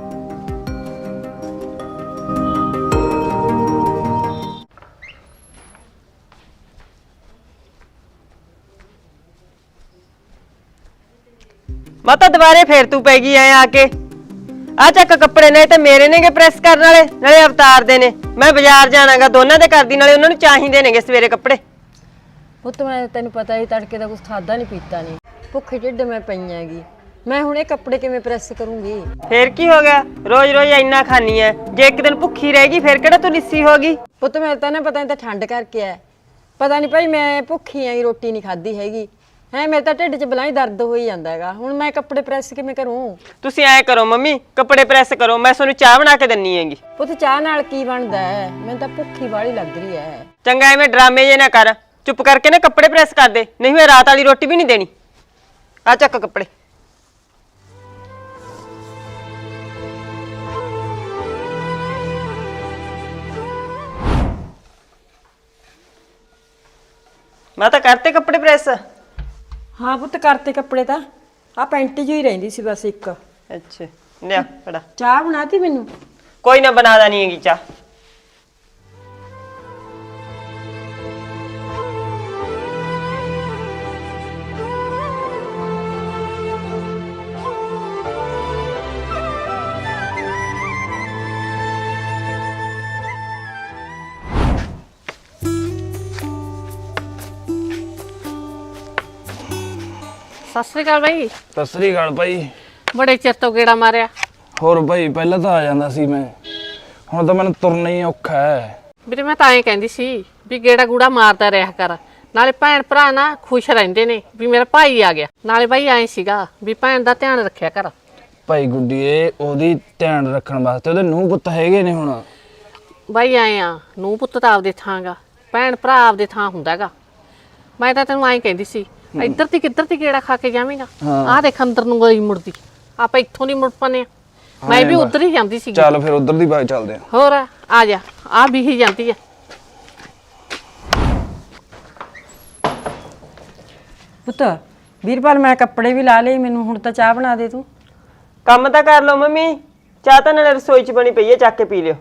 Speaker 2: ਮਾਤਾ ਦੁਬਾਰੇ ਫੇਰ ਤੂੰ ਪੈ ਗਈ ਐ ਆ ਕੇ। ਆ ਚੱਕ ਕੱਪੜੇ ਨੇ ਤੇ ਮੇਰੇ ਨੇਗੇ ਪ੍ਰੈਸ ਕਰਨ ਵਾਲੇ, ਨਾਲੇ ਅਵਤਾਰ ਦੇ ਨੇ। ਮੈਂ ਬਾਜ਼ਾਰ ਜਾਣਾਗਾ, ਦੋਨਾਂ ਦੇ ਕਰਦੀ, ਨਾਲੇ ਉਹਨਾਂ ਨੂੰ ਚਾਹੀਦੇ ਨੇਗੇ ਸਵੇਰੇ ਕੱਪੜੇ।
Speaker 4: ਪੁੱਤ ਮੈਂ ਤੈਨੂੰ ਪਤਾ ਹੀ ਤੜਕੇ ਦਾ ਕੁਝ ਖਾਦਾ ਨਹੀਂ ਪੀਤਾ ਨਹੀਂ, ਭੁੱਖੇ ਢਿੱਡ ਮੈਂ ਪਈ ਹੈਗੀ। ਮੈਂ ਹੁਣ ਇਹ ਕੱਪੜੇ ਕਿਵੇਂ ਪ੍ਰੈਸ ਕਰੂੰਗੀ?
Speaker 2: ਫੇਰ ਕੀ ਹੋ ਗਿਆ, ਰੋਜ਼ ਰੋਜ਼ ਇੰਨਾ ਖਾਨੀ ਐ, ਜੇ ਇੱਕ ਦਿਨ ਭੁੱਖੀ ਰਹੇਗੀ ਫੇਰ ਕਿਹੜਾ ਤੂੰ ਲਿੱਸੀ ਹੋਗੀ।
Speaker 4: ਪੁੱਤ ਮੈਂ ਤਾਂ ਨਾ ਪਤਾ ਨਹੀਂ ਤਾਂ ਠੰਡ ਕਰਕੇ ਆ, ਪਤਾ ਨਹੀਂ ਭਾਈ ਮੈਂ ਭੁੱਖੀ ਆਂ, ਰੋਟੀ ਨਹੀਂ ਖਾਧੀ ਹੈਗੀ ਹੈ। ਮੇਰੇ ਤਾਂ ਢਿੱਡ 'ਚ ਬਲਾਈ ਦਰਦ ਹੋਈ ਜਾਂਦਾ ਹੈਗਾ। ਹੁਣ ਮੈਂ ਕੱਪੜੇ ਪ੍ਰੈਸ ਕਿਵੇਂ ਕਰੂੰ?
Speaker 2: ਤੁਸੀਂ ਐ ਕਰੋ ਮੰਮੀ, ਕੱਪੜੇ ਪ੍ਰੈਸ ਕਰੋ, ਮੈਂ ਤੁਹਾਨੂੰ ਚਾਹ ਬਣਾ ਕੇ ਦਿੰਨੀ ਹੈਗੀ।
Speaker 4: ਪੁੱਤ ਚਾਹ ਨਾਲ ਕੀ ਬਣਦਾ ਹੈ? ਮੈਨੂੰ ਤਾਂ ਭੁੱਖੀ ਵਾਲੀ ਲੱਗ ਰਹੀ ਹੈ।
Speaker 2: ਚੰਗਾ ਐਵੇਂ ਡਰਾਮੇ ਜੇ ਨਾ ਕਰ, ਚੁੱਪ ਕਰਕੇ ਨਾ ਕੱਪੜੇ ਪ੍ਰੈਸ ਕਰ ਦੇ, ਨਹੀਂ ਮੈਂ ਰਾਤ ਵਾਲੀ ਰੋਟੀ ਵੀ ਨਹੀਂ ਦੇਣੀ। ਆ ਚੱਕ ਕੱਪੜੇ। ਮੈਂ ਤਾਂ ਕਰਤੇ ਕੱਪੜੇ ਪ੍ਰੈਸ।
Speaker 4: ਹਾਂ ਪੁੱਤ ਕਰਤੇ ਕੱਪੜੇ ਤਾਂ, ਆ ਪੈਂਟ ਜਿਹੀ ਰਹਿੰਦੀ ਸੀ ਬਸ ਇੱਕ।
Speaker 2: ਅੱਛਾ ਲਿਆ ਫੜਾ।
Speaker 4: ਚਾਹ ਬਣਾਤੀ ਮੈਨੂੰ?
Speaker 2: ਕੋਈ ਨਾ ਬਣਾ ਦੇਣੀ ਹੈਗੀ ਚਾਹ।
Speaker 1: ਸਤਿ ਸ੍ਰੀ ਅਕਾਲ ਬਾਈ।
Speaker 6: ਸਤਿ ਸ੍ਰੀ ਅਕਾਲ ਭਾਈ।
Speaker 1: ਬੜੇ ਚਿਰ ਤੋਂ ਗੇੜਾ ਮਾਰਿਆ।
Speaker 6: ਹੋਰ ਭਾਈ ਪਹਿਲਾਂ ਤਾਂ ਆ ਜਾਂਦਾ ਸੀ ਮੈਂ, ਹੁਣ ਤਾਂ ਮੈਨੂੰ ਤੁਰਨਾ ਹੀ ਔਖਾ ਹੈ।
Speaker 1: ਵੀਰੇ ਮੈਂ ਤਾਂ ਐਂ ਕਹਿੰਦੀ ਸੀ ਵੀ ਗੇੜਾ ਗੂੜਾ ਮਾਰਦਾ ਰਿਹਾ ਕਰ, ਨਾਲੇ ਭੈਣ ਭਰਾ ਨਾ ਖੁਸ਼ ਰਹਿੰਦੇ ਨੇ ਵੀ ਮੇਰਾ ਭਾਈ ਆ ਗਿਆ। ਨਾਲੇ ਬਾਈ ਐਂ ਸੀਗਾ ਵੀ ਭੈਣ ਦਾ ਧਿਆਨ ਰੱਖਿਆ ਕਰ।
Speaker 6: ਭਾਈ ਗੁੱਡੀਏ ਉਹਦੀ ਧਿਆਨ ਰੱਖਣ ਵਾਸਤੇ ਉਹਦੇ ਨੂੰਹ ਪੁੱਤ ਹੈਗੇ ਨੇ। ਹੁਣ
Speaker 1: ਬਾਈ ਐਂ ਆ, ਨੂੰਹ ਪੁੱਤ ਤਾਂ ਆਪਦੇ ਥਾਂ ਗਾ, ਭੈਣ ਭਰਾ ਆਪਦੇ ਥਾਂ ਹੁੰਦਾ ਗਾ। ਮੈਂ ਤਾਂ ਤੈਨੂੰ ਐਂ ਕਹਿੰਦੀ ਸੀ, ਇੱਧਰ ਤੇ ਕਿੱਧਰ ਤੇ ਗੇੜਾ ਖਾ ਕੇ ਜਾਵੇਂਗਾ? ਆਹ ਦੇਖ ਅੰਦਰ ਨੂੰ ਗਈ ਮੁੜਦੀ, ਆਪਾਂ ਇੱਥੋਂ ਦੀ ਮੁੜ ਪਨੇ ਆ। ਮੈਂ ਵੀ ਉਧਰ ਹੀ ਜਾਂਦੀ ਸੀ।
Speaker 6: ਚੱਲ ਫਿਰ ਉਧਰ ਦੀ ਬਾਗ ਚੱਲਦੇ ਆ।
Speaker 1: ਹੋਰ ਆ ਜਾ, ਆ ਵੀ ਹੀ ਜਾਂਦੀ ਆ।
Speaker 4: ਪੁੱਤ ਵੀਰਪਾਲ ਮੈਂ ਕੱਪੜੇ ਵੀ ਲਾ ਲਏ, ਮੈਨੂੰ ਹੁਣ ਤਾਂ ਚਾਹ ਬਣਾ ਦੇ ਤੂੰ।
Speaker 2: ਕੰਮ ਤਾਂ ਕਰ ਲਓ ਮੰਮੀ, ਚਾਹ ਤਾਂ ਨਾਲੇ ਰਸੋਈ 'ਚ ਬਣੀ ਪਈ ਹੈ, ਚੱਕ ਕੇ ਪੀ ਲਿਓ।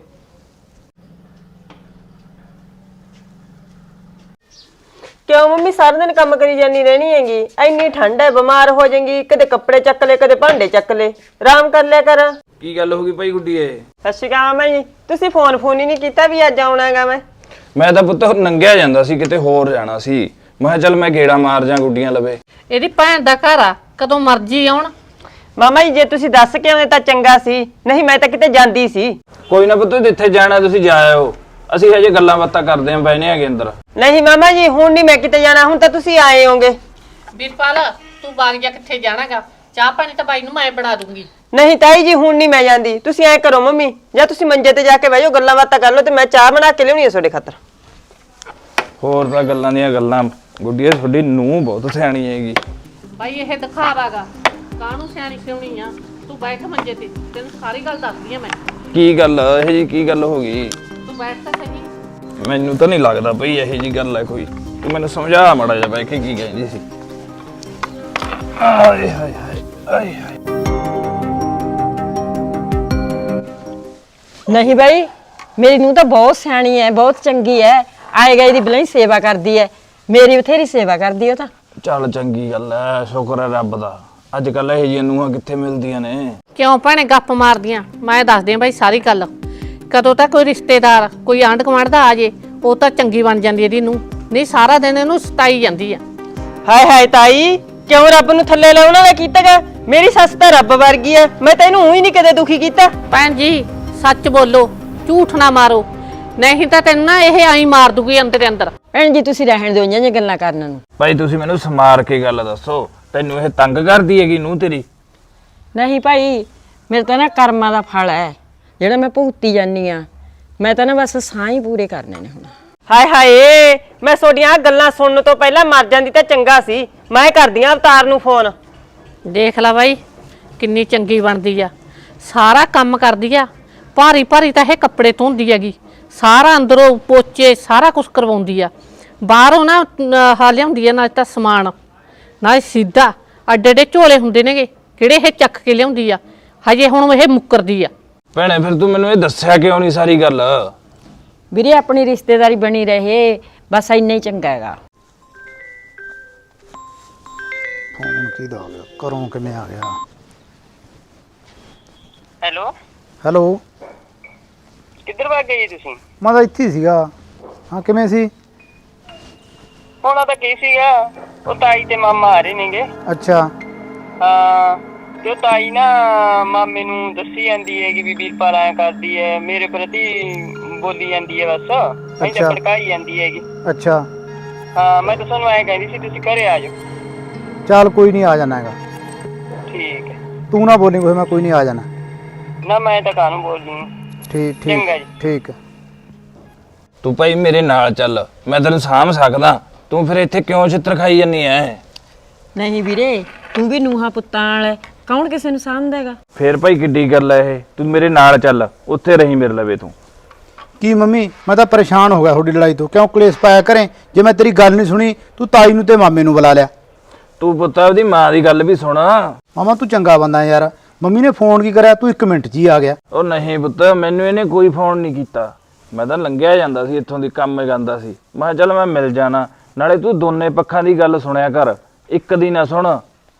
Speaker 2: ਕਿਉਂ ਮੰਮੀ ਸਾਰਾ ਦਿਨ ਕੰਮ ਕਰੀ ਜਾਨੀ ਰਹਿਣੀ ਹੈਗੀ? ਇੰਨੀ ਠੰਡ ਹੈ, ਬਿਮਾਰ ਹੋ ਜਾਏਗੀ। ਕਦੇ ਕੱਪੜੇ ਚੱਕ ਲੈ, ਕਦੇ ਭਾਂਡੇ ਚੱਕ ਲੈ, ਆਰਾਮ ਕਰ ਲਿਆ ਕਰ।
Speaker 6: ਕੀ ਗੱਲ ਹੋ ਗਈ ਭਾਈ ਗੁੱਡੀਏ?
Speaker 2: ਸਤਿ ਸ਼੍ਰੀ ਅਕਾਲ ਮਾਮਾ ਜੀ, ਤੁਸੀਂ ਫੋਨ ਫੋਨ ਹੀ ਨਹੀਂ ਕੀਤਾ ਵੀ ਅੱਜ ਆਉਣਾ ਹੈਗਾ। ਮੈਂ
Speaker 6: ਮੈਂ ਤਾਂ ਪੁੱਤ ਨੰਗਿਆ ਜਾਂਦਾ ਸੀ, ਕਿਤੇ ਹੋਰ ਜਾਣਾ ਸੀ। ਮੈਂ ਕਿਹਾ ਚੱਲ ਮੈਂ ਗੇੜਾ ਮਾਰ ਜਾ ਗੁੱਡੀਆਂ ਲਵੇ।
Speaker 1: ਇਹਦੀ ਭੈਣ ਦਾ ਘਰ ਆ, ਕਦੋਂ ਮਰਜੀ ਆਉਣ।
Speaker 2: ਮਾਮਾ ਜੀ ਜੇ ਤੁਸੀਂ ਦੱਸ ਕੇ ਆਉਂਦੇ ਤਾਂ ਚੰਗਾ ਸੀ, ਨਹੀਂ ਮੈਂ ਤਾਂ ਕਿਤੇ ਜਾਂਦੀ ਸੀ।
Speaker 6: ਕੋਈ ਨਾ ਪੁੱਤ ਜਿੱਥੇ ਜਾਣਾ ਤੁਸੀਂ ਜਾ ਆਇਓ, ਅਸੀਂ ਹਜੇ ਗੱਲਾਂ ਬਾਤਾਂ ਕਰਦੇ ਆਂ, ਬੈਨੇ ਹੈਗੇ ਅੰਦਰ।
Speaker 2: ਨਹੀਂ ਮਾਮਾ ਜੀ ਹੁਣ ਨਹੀਂ ਮੈਂ ਕਿਤੇ ਜਾਣਾ, ਹੁਣ ਤਾਂ ਤੁਸੀਂ ਆਏ ਹੋਗੇ।
Speaker 1: ਵੀਰਪਾਲ ਤੂੰ ਬਾਗ ਜਾ, ਕਿੱਥੇ ਜਾਣਾਗਾ? ਚਾਹ ਪਾਣੀ ਤਾਂ ਬਾਈ ਨੂੰ ਮੈਂ ਬਣਾ ਦੂੰਗੀ।
Speaker 2: ਨਹੀਂ ਤਾਈ ਜੀ ਹੁਣ ਨਹੀਂ ਮੈਂ ਜਾਂਦੀ। ਤੁਸੀਂ ਐ ਕਰੋ ਮੰਮੀ, ਜਾਂ ਤੁਸੀਂ ਮੰਜੇ ਤੇ ਜਾ ਕੇ ਬਹਿ ਜਾਓ, ਗੱਲਾਂ ਬਾਤਾਂ ਕਰ ਲਓ, ਤੇ ਮੈਂ ਚਾਹ ਬਣਾ ਕੇ ਲਿਆਉਣੀ ਹੈ ਤੁਹਾਡੇ ਖਾਤਰ।
Speaker 6: ਹੋਰ ਤਾਂ ਗੱਲਾਂ ਦੀਆਂ ਗੱਲਾਂ। ਗੁੱਡੀਏ ਤੁਹਾਡੀ ਨੂੰਹ ਬਹੁਤ ਸਿਆਣੀ ਹੈਗੀ।
Speaker 1: ਬਾਈ ਇਹ ਦਿਖਾਵਾਗਾ, ਕਾਹਨੂੰ ਸਿਆਣੀ ਸਿਉਣੀ ਆ? ਤੂੰ ਬੈਠ ਮੰਜੇ ਤੇ, ਤੈਨੂੰ ਸਾਰੀ ਗੱਲ ਦੱਸਦੀ ਆ ਮੈਂ।
Speaker 6: ਕੀ ਗੱਲ ਇਹ ਜੀ ਕੀ ਗੱਲ ਹੋ ਗਈ?
Speaker 1: ਤੂੰ ਬੈਠ ਤਾਂ ਸਹੀ।
Speaker 6: ਮੈਨੂੰ ਤਾਂ ਨਹੀਂ ਲੱਗਦਾ ਬਈ ਇਹੋ ਜੀ ਗੱਲ ਹੈ ਕੋਈ। ਤੂੰ ਮੈਨੂੰ ਸਮਝਾ ਮਾੜਾ ਜਿਹਾ ਬਹਿ ਕੇ ਕੀ ਕਹਿੰਦੀ ਸੀ। ਆਏ ਹਾਏ ਹਾਏ ਆਏ ਹਾਏ।
Speaker 4: ਨਹੀਂ ਬਾਈ, ਮੇਰੀ ਨੂੰਹ ਤਾਂ ਬਹੁਤ ਸਿਆਣੀ ਹੈ, ਬਹੁਤ ਚੰਗੀ ਹੈ। ਆਏ ਗਏ ਦੀ ਬਲਾਈ ਸੇਵਾ ਕਰਦੀ ਐ, ਮੇਰੀ ਬਥੇਰੀ ਸੇਵਾ ਕਰਦੀ ਉਹ ਤਾਂ।
Speaker 6: ਚੱਲ ਚੰਗੀ ਗੱਲ ਐ, ਸ਼ੁਕਰ ਹੈ ਰੱਬ ਦਾ। ਅੱਜ ਕੱਲ ਇਹ ਜਿਹੀਆਂ ਨੂੰਹਾਂ ਕਿੱਥੇ ਮਿਲਦੀਆਂ ਨੇ।
Speaker 1: ਕਿਉਂ ਭੈਣੇ ਗੱਪ ਮਾਰਦੀਆਂ? ਮੈਂ ਦੱਸਦੀ ਆ ਬਾਈ ਸਾਰੀ ਗੱਲ। ਕਦੋਂ ਤਾਂ ਕੋਈ ਰਿਸ਼ਤੇਦਾਰ ਕੋਈ ਆਂਢ ਗੁਆਂਢ ਦਾ ਆ ਜੇ ਉਹ ਤਾਂ ਚੰਗੀ ਬਣ ਜਾਂਦੀ ਇਹਦੀ ਨੂੰ, ਨਹੀਂ ਸਾਰਾ ਦਿਨ ਇਹਨੂੰ ਸਤਾਈ ਜਾਂਦੀ ਆ।
Speaker 2: ਹਾਏ ਹਾਏ ਤਾਈ, ਕਿਉਂ ਰੱਬ ਨੂੰ ਥੱਲੇ ਲਾਉਣ ਵਾਲਾ ਕੀਤਾਗਾ? ਮੇਰੀ ਸੱਸ ਤਾਂ ਰੱਬ ਵਰਗੀ ਆ, ਮੈਂ ਤੈਨੂੰ ਉਹੀ ਨਹੀਂ ਕਦੇ ਦੁਖੀ ਕੀਤਾ।
Speaker 1: ਭੈਣ ਜੀ ਸੱਚ ਬੋਲੋ, ਝੂਠ ਨਾ ਮਾਰੋ, ਨਹੀਂ ਤਾਂ ਤੈਨੂੰ ਨਾ ਇਹ ਆਈ ਮਾਰ ਦੂਗੀ ਅੰਦਰ ਦੇ ਅੰਦਰ।
Speaker 4: ਭੈਣ ਜੀ ਤੁਸੀਂ ਰਹਿਣ ਦਿਓ ਇੰਨੀਆਂ ਗੱਲਾਂ ਕਰਨ ਨੂੰ।
Speaker 6: ਭਾਈ ਤੁਸੀਂ ਮੈਨੂੰ ਸਮਾਰ ਕੇ ਗੱਲ ਦੱਸੋ, ਤੈਨੂੰ ਇਹ ਤੰਗ ਕਰਦੀ ਹੈਗੀ ਨੂੰਹ ਤੇਰੀ?
Speaker 4: ਨਹੀਂ ਭਾਈ, ਮੇਰੇ ਤਾਂ ਨਾ ਕਰਮਾਂ ਦਾ ਫਲ ਹੈ ਜਿਹੜਾ ਮੈਂ ਭੁਗਤੀ ਜਾਨੀ ਆ। ਮੈਂ ਤਾਂ ਨਾ ਬਸ ਸਾਹ ਹੀ ਪੂਰੇ ਕਰਨੇ ਨੇ ਹੁਣ।
Speaker 2: ਹਾਏ ਹਾਏ, ਮੈਂ ਤੁਹਾਡੀਆਂ ਗੱਲਾਂ ਸੁਣਨ ਤੋਂ ਪਹਿਲਾਂ ਮਰ ਜਾਂਦੀ ਤਾਂ ਚੰਗਾ ਸੀ। ਮੈਂ ਕਰਦੀ ਆਂ ਅਵਤਾਰ ਨੂੰ ਫੋਨ।
Speaker 1: ਦੇਖ ਲੈ ਬਾਈ ਕਿੰਨੀ ਚੰਗੀ ਬਣਦੀ ਆ, ਸਾਰਾ ਕੰਮ ਕਰਦੀ ਆ, ਭਾਰੀ ਭਾਰੀ ਤਾਂ ਇਹ ਕੱਪੜੇ ਧੋਂਦੀ ਹੈਗੀ, ਸਾਰਾ ਅੰਦਰੋਂ ਪੋਚੇ ਸਾਰਾ ਕੁਝ ਕਰਵਾਉਂਦੀ ਆ। ਬਾਹਰੋਂ ਨਾ ਹਾ ਲਿਆਉਂਦੀ ਆ ਨਾ ਤਾਂ ਸਮਾਨ, ਨਾ ਸਿੱਧਾ ਅੱਡੇ ਅੱਡੇ ਝੋਲੇ ਹੁੰਦੇ ਨੇਗੇ ਕਿਹੜੇ ਇਹ ਚੱਕ ਕੇ ਲਿਆਉਂਦੀ ਆ। ਹਜੇ ਹੁਣ ਇਹ ਮੁੱਕਰਦੀ ਆ।
Speaker 6: ਭੈਣੇ ਫਿਰ ਤੂੰ ਮੈਨੂੰ ਇਹ ਦੱਸਿਆ ਕਿਉਂ ਨਹੀਂ ਸਾਰੀ ਗੱਲ?
Speaker 4: ਵੀਰੇ ਆਪਣੀ ਰਿਸ਼ਤੇਦਾਰੀ ਬਣੀ ਰਹੇ ਬਸ ਇੰਨਾ ਹੀ ਚੰਗਾ ਹੈਗਾ।
Speaker 3: ਫੋਨ ਕਿਹਦਾ ਆ ਗਿਆ? ਘਰੋਂ ਕਿਵੇਂ ਆ ਗਿਆ?
Speaker 2: ਹੈਲੋ
Speaker 3: ਹੈਲੋ,
Speaker 2: ਕਿੱਧਰ ਵਗ ਗਏ ਤੁਸੀਂ?
Speaker 3: ਮੈਂ ਤਾਂ ਇੱਥੇ ਹੀ ਸੀਗਾ। ਹਾਂ ਕਿਵੇਂ ਸੀ?
Speaker 2: ਹੋਣਾ ਤਾਂ ਕੀ ਸੀਗਾ, ਉਹ ਤਾਈ ਤੇ ਮਾਮਾ ਆ ਰਹੇ ਨੇਗੇ।
Speaker 3: ਅੱਛਾ
Speaker 2: ਹਾਂ, ਤੇ ਉਹ ਤਾਈ ਨਾ ਮਾਮੇ ਨੂੰ ਦੱਸੀ ਜਾਂਦੀ ਹੈ ਕਿ ਵੀ ਵੀਰਪਾਲ ਆਇਆ ਕਰਦੀ ਹੈ, ਮੇਰੇ ਪ੍ਰਤੀ ਬੋਲੀ ਜਾਂਦੀ ਹੈ, ਬਸ ਨਹੀਂ ਤਾਂ ਭੜਕਾਈ ਜਾਂਦੀ ਹੈਗੀ।
Speaker 3: ਅੱਛਾ
Speaker 2: ਹਾਂ, ਮੈਂ ਤਾਂ ਤੁਹਾਨੂੰ ਐਂ ਕਹਿੰਦੀ ਸੀ ਤੁਸੀਂ ਘਰੇ ਆ ਜਾਓ।
Speaker 3: ਚੱਲ ਕੋਈ ਨਹੀਂ, ਆ ਜਾਣਾ ਹੈਗਾ।
Speaker 2: ਠੀਕ ਹੈ,
Speaker 3: ਤੂੰ ਨਾ ਬੋਲੀ ਕੋਈ, ਮੈਂ ਕੋਈ ਨਹੀਂ ਆ ਜਾਣਾ।
Speaker 2: ਨਾ ਮੈਂ ਤਾਂ ਕਾਹਨੂੰ ਬੋਲਦੀ।
Speaker 3: ਠੀਕ
Speaker 2: ਚੰਗਾ
Speaker 3: ਠੀਕ
Speaker 2: ਜੀ।
Speaker 3: ਠੀਕ।
Speaker 6: ਤੂੰ ਭਾਈ ਮੇਰੇ ਨਾਲ ਚੱਲ, ਮੈਂ ਤੈਨੂੰ ਸਾਂਭ ਸਕਦਾ। ਤੂੰ ਫਿਰ ਇੱਥੇ ਕਿਉਂ ਛਿੱਤਰ ਖਾਈ ਜੰਨੀ ਐ?
Speaker 4: ਨਹੀਂ ਵੀਰੇ, ਤੂੰ ਵੀ ਨੂੰਹਾਂ ਪੁੱਤਾਂ ਵਾਲਾ, ਕੌਣ ਕਿਸੇ ਨੂੰ ਸਾਂਭਦਾ ਹੈਗਾ?
Speaker 6: ਫੇਰ ਭਾਈ ਕਿੱਡੀ ਗੱਲ ਐ ਇਹ? ਤੂੰ ਮੇਰੇ ਨਾਲ ਚੱਲ, ਉੱਥੇ ਰਹੀ ਮੇਰੇ ਲਵੇ ਤੂੰ।
Speaker 3: ਕੀ ਮੰਮੀ, ਮੈਂ ਤਾਂ ਪਰੇਸ਼ਾਨ ਹੋ ਗਿਆ ਤੁਹਾਡੀ ਲੜਾਈ ਤੋਂ। ਕਿਉਂ ਕਲੇਸ਼ ਪਾਇਆ ਕਰੇ? ਜੇ ਮੈਂ ਤੇਰੀ ਗੱਲ ਨਹੀਂ ਸੁਣੀ ਤੂੰ ਤਾਈ ਨੂੰ ਤੇ ਮਾਮੇ ਨੂੰ ਬੁਲਾ ਲਿਆ।
Speaker 6: ਤੂੰ ਪੁੱਤ ਉਹਦੀ ਮਾਂ ਦੀ ਗੱਲ ਵੀ ਸੁਣ।
Speaker 3: ਮਾਮਾ ਤੂੰ ਚੰਗਾ ਬੰਦਾ ਯਾਰ, ਮੰਮੀ ਨੇ ਫੋਨ ਕੀ ਕਰਿਆ, ਤੂੰ ਇੱਕ ਮਿੰਟ 'ਚ ਹੀ ਆ ਗਿਆ।
Speaker 6: ਉਹ ਨਹੀਂ ਪੁੱਤ, ਮੈਨੂੰ ਇਹਨੇ ਕੋਈ ਫੋਨ ਨਹੀਂ ਕੀਤਾ। ਮੈਂ ਤਾਂ ਲੰਘਿਆ ਜਾਂਦਾ ਸੀ ਇੱਥੋਂ ਦੀ, ਕੰਮ ਕਰਦਾ ਸੀ। ਮੈਂ ਕਿਹਾ ਚੱਲ ਮੈਂ ਮਿਲ ਜਾਣਾ, ਨਾਲੇ ਤੂੰ ਦੋਨੇ ਪੱਖਾਂ ਦੀ ਗੱਲ ਸੁਣਿਆ ਕਰ, ਇੱਕ ਦੀ ਨਾ ਸੁਣ।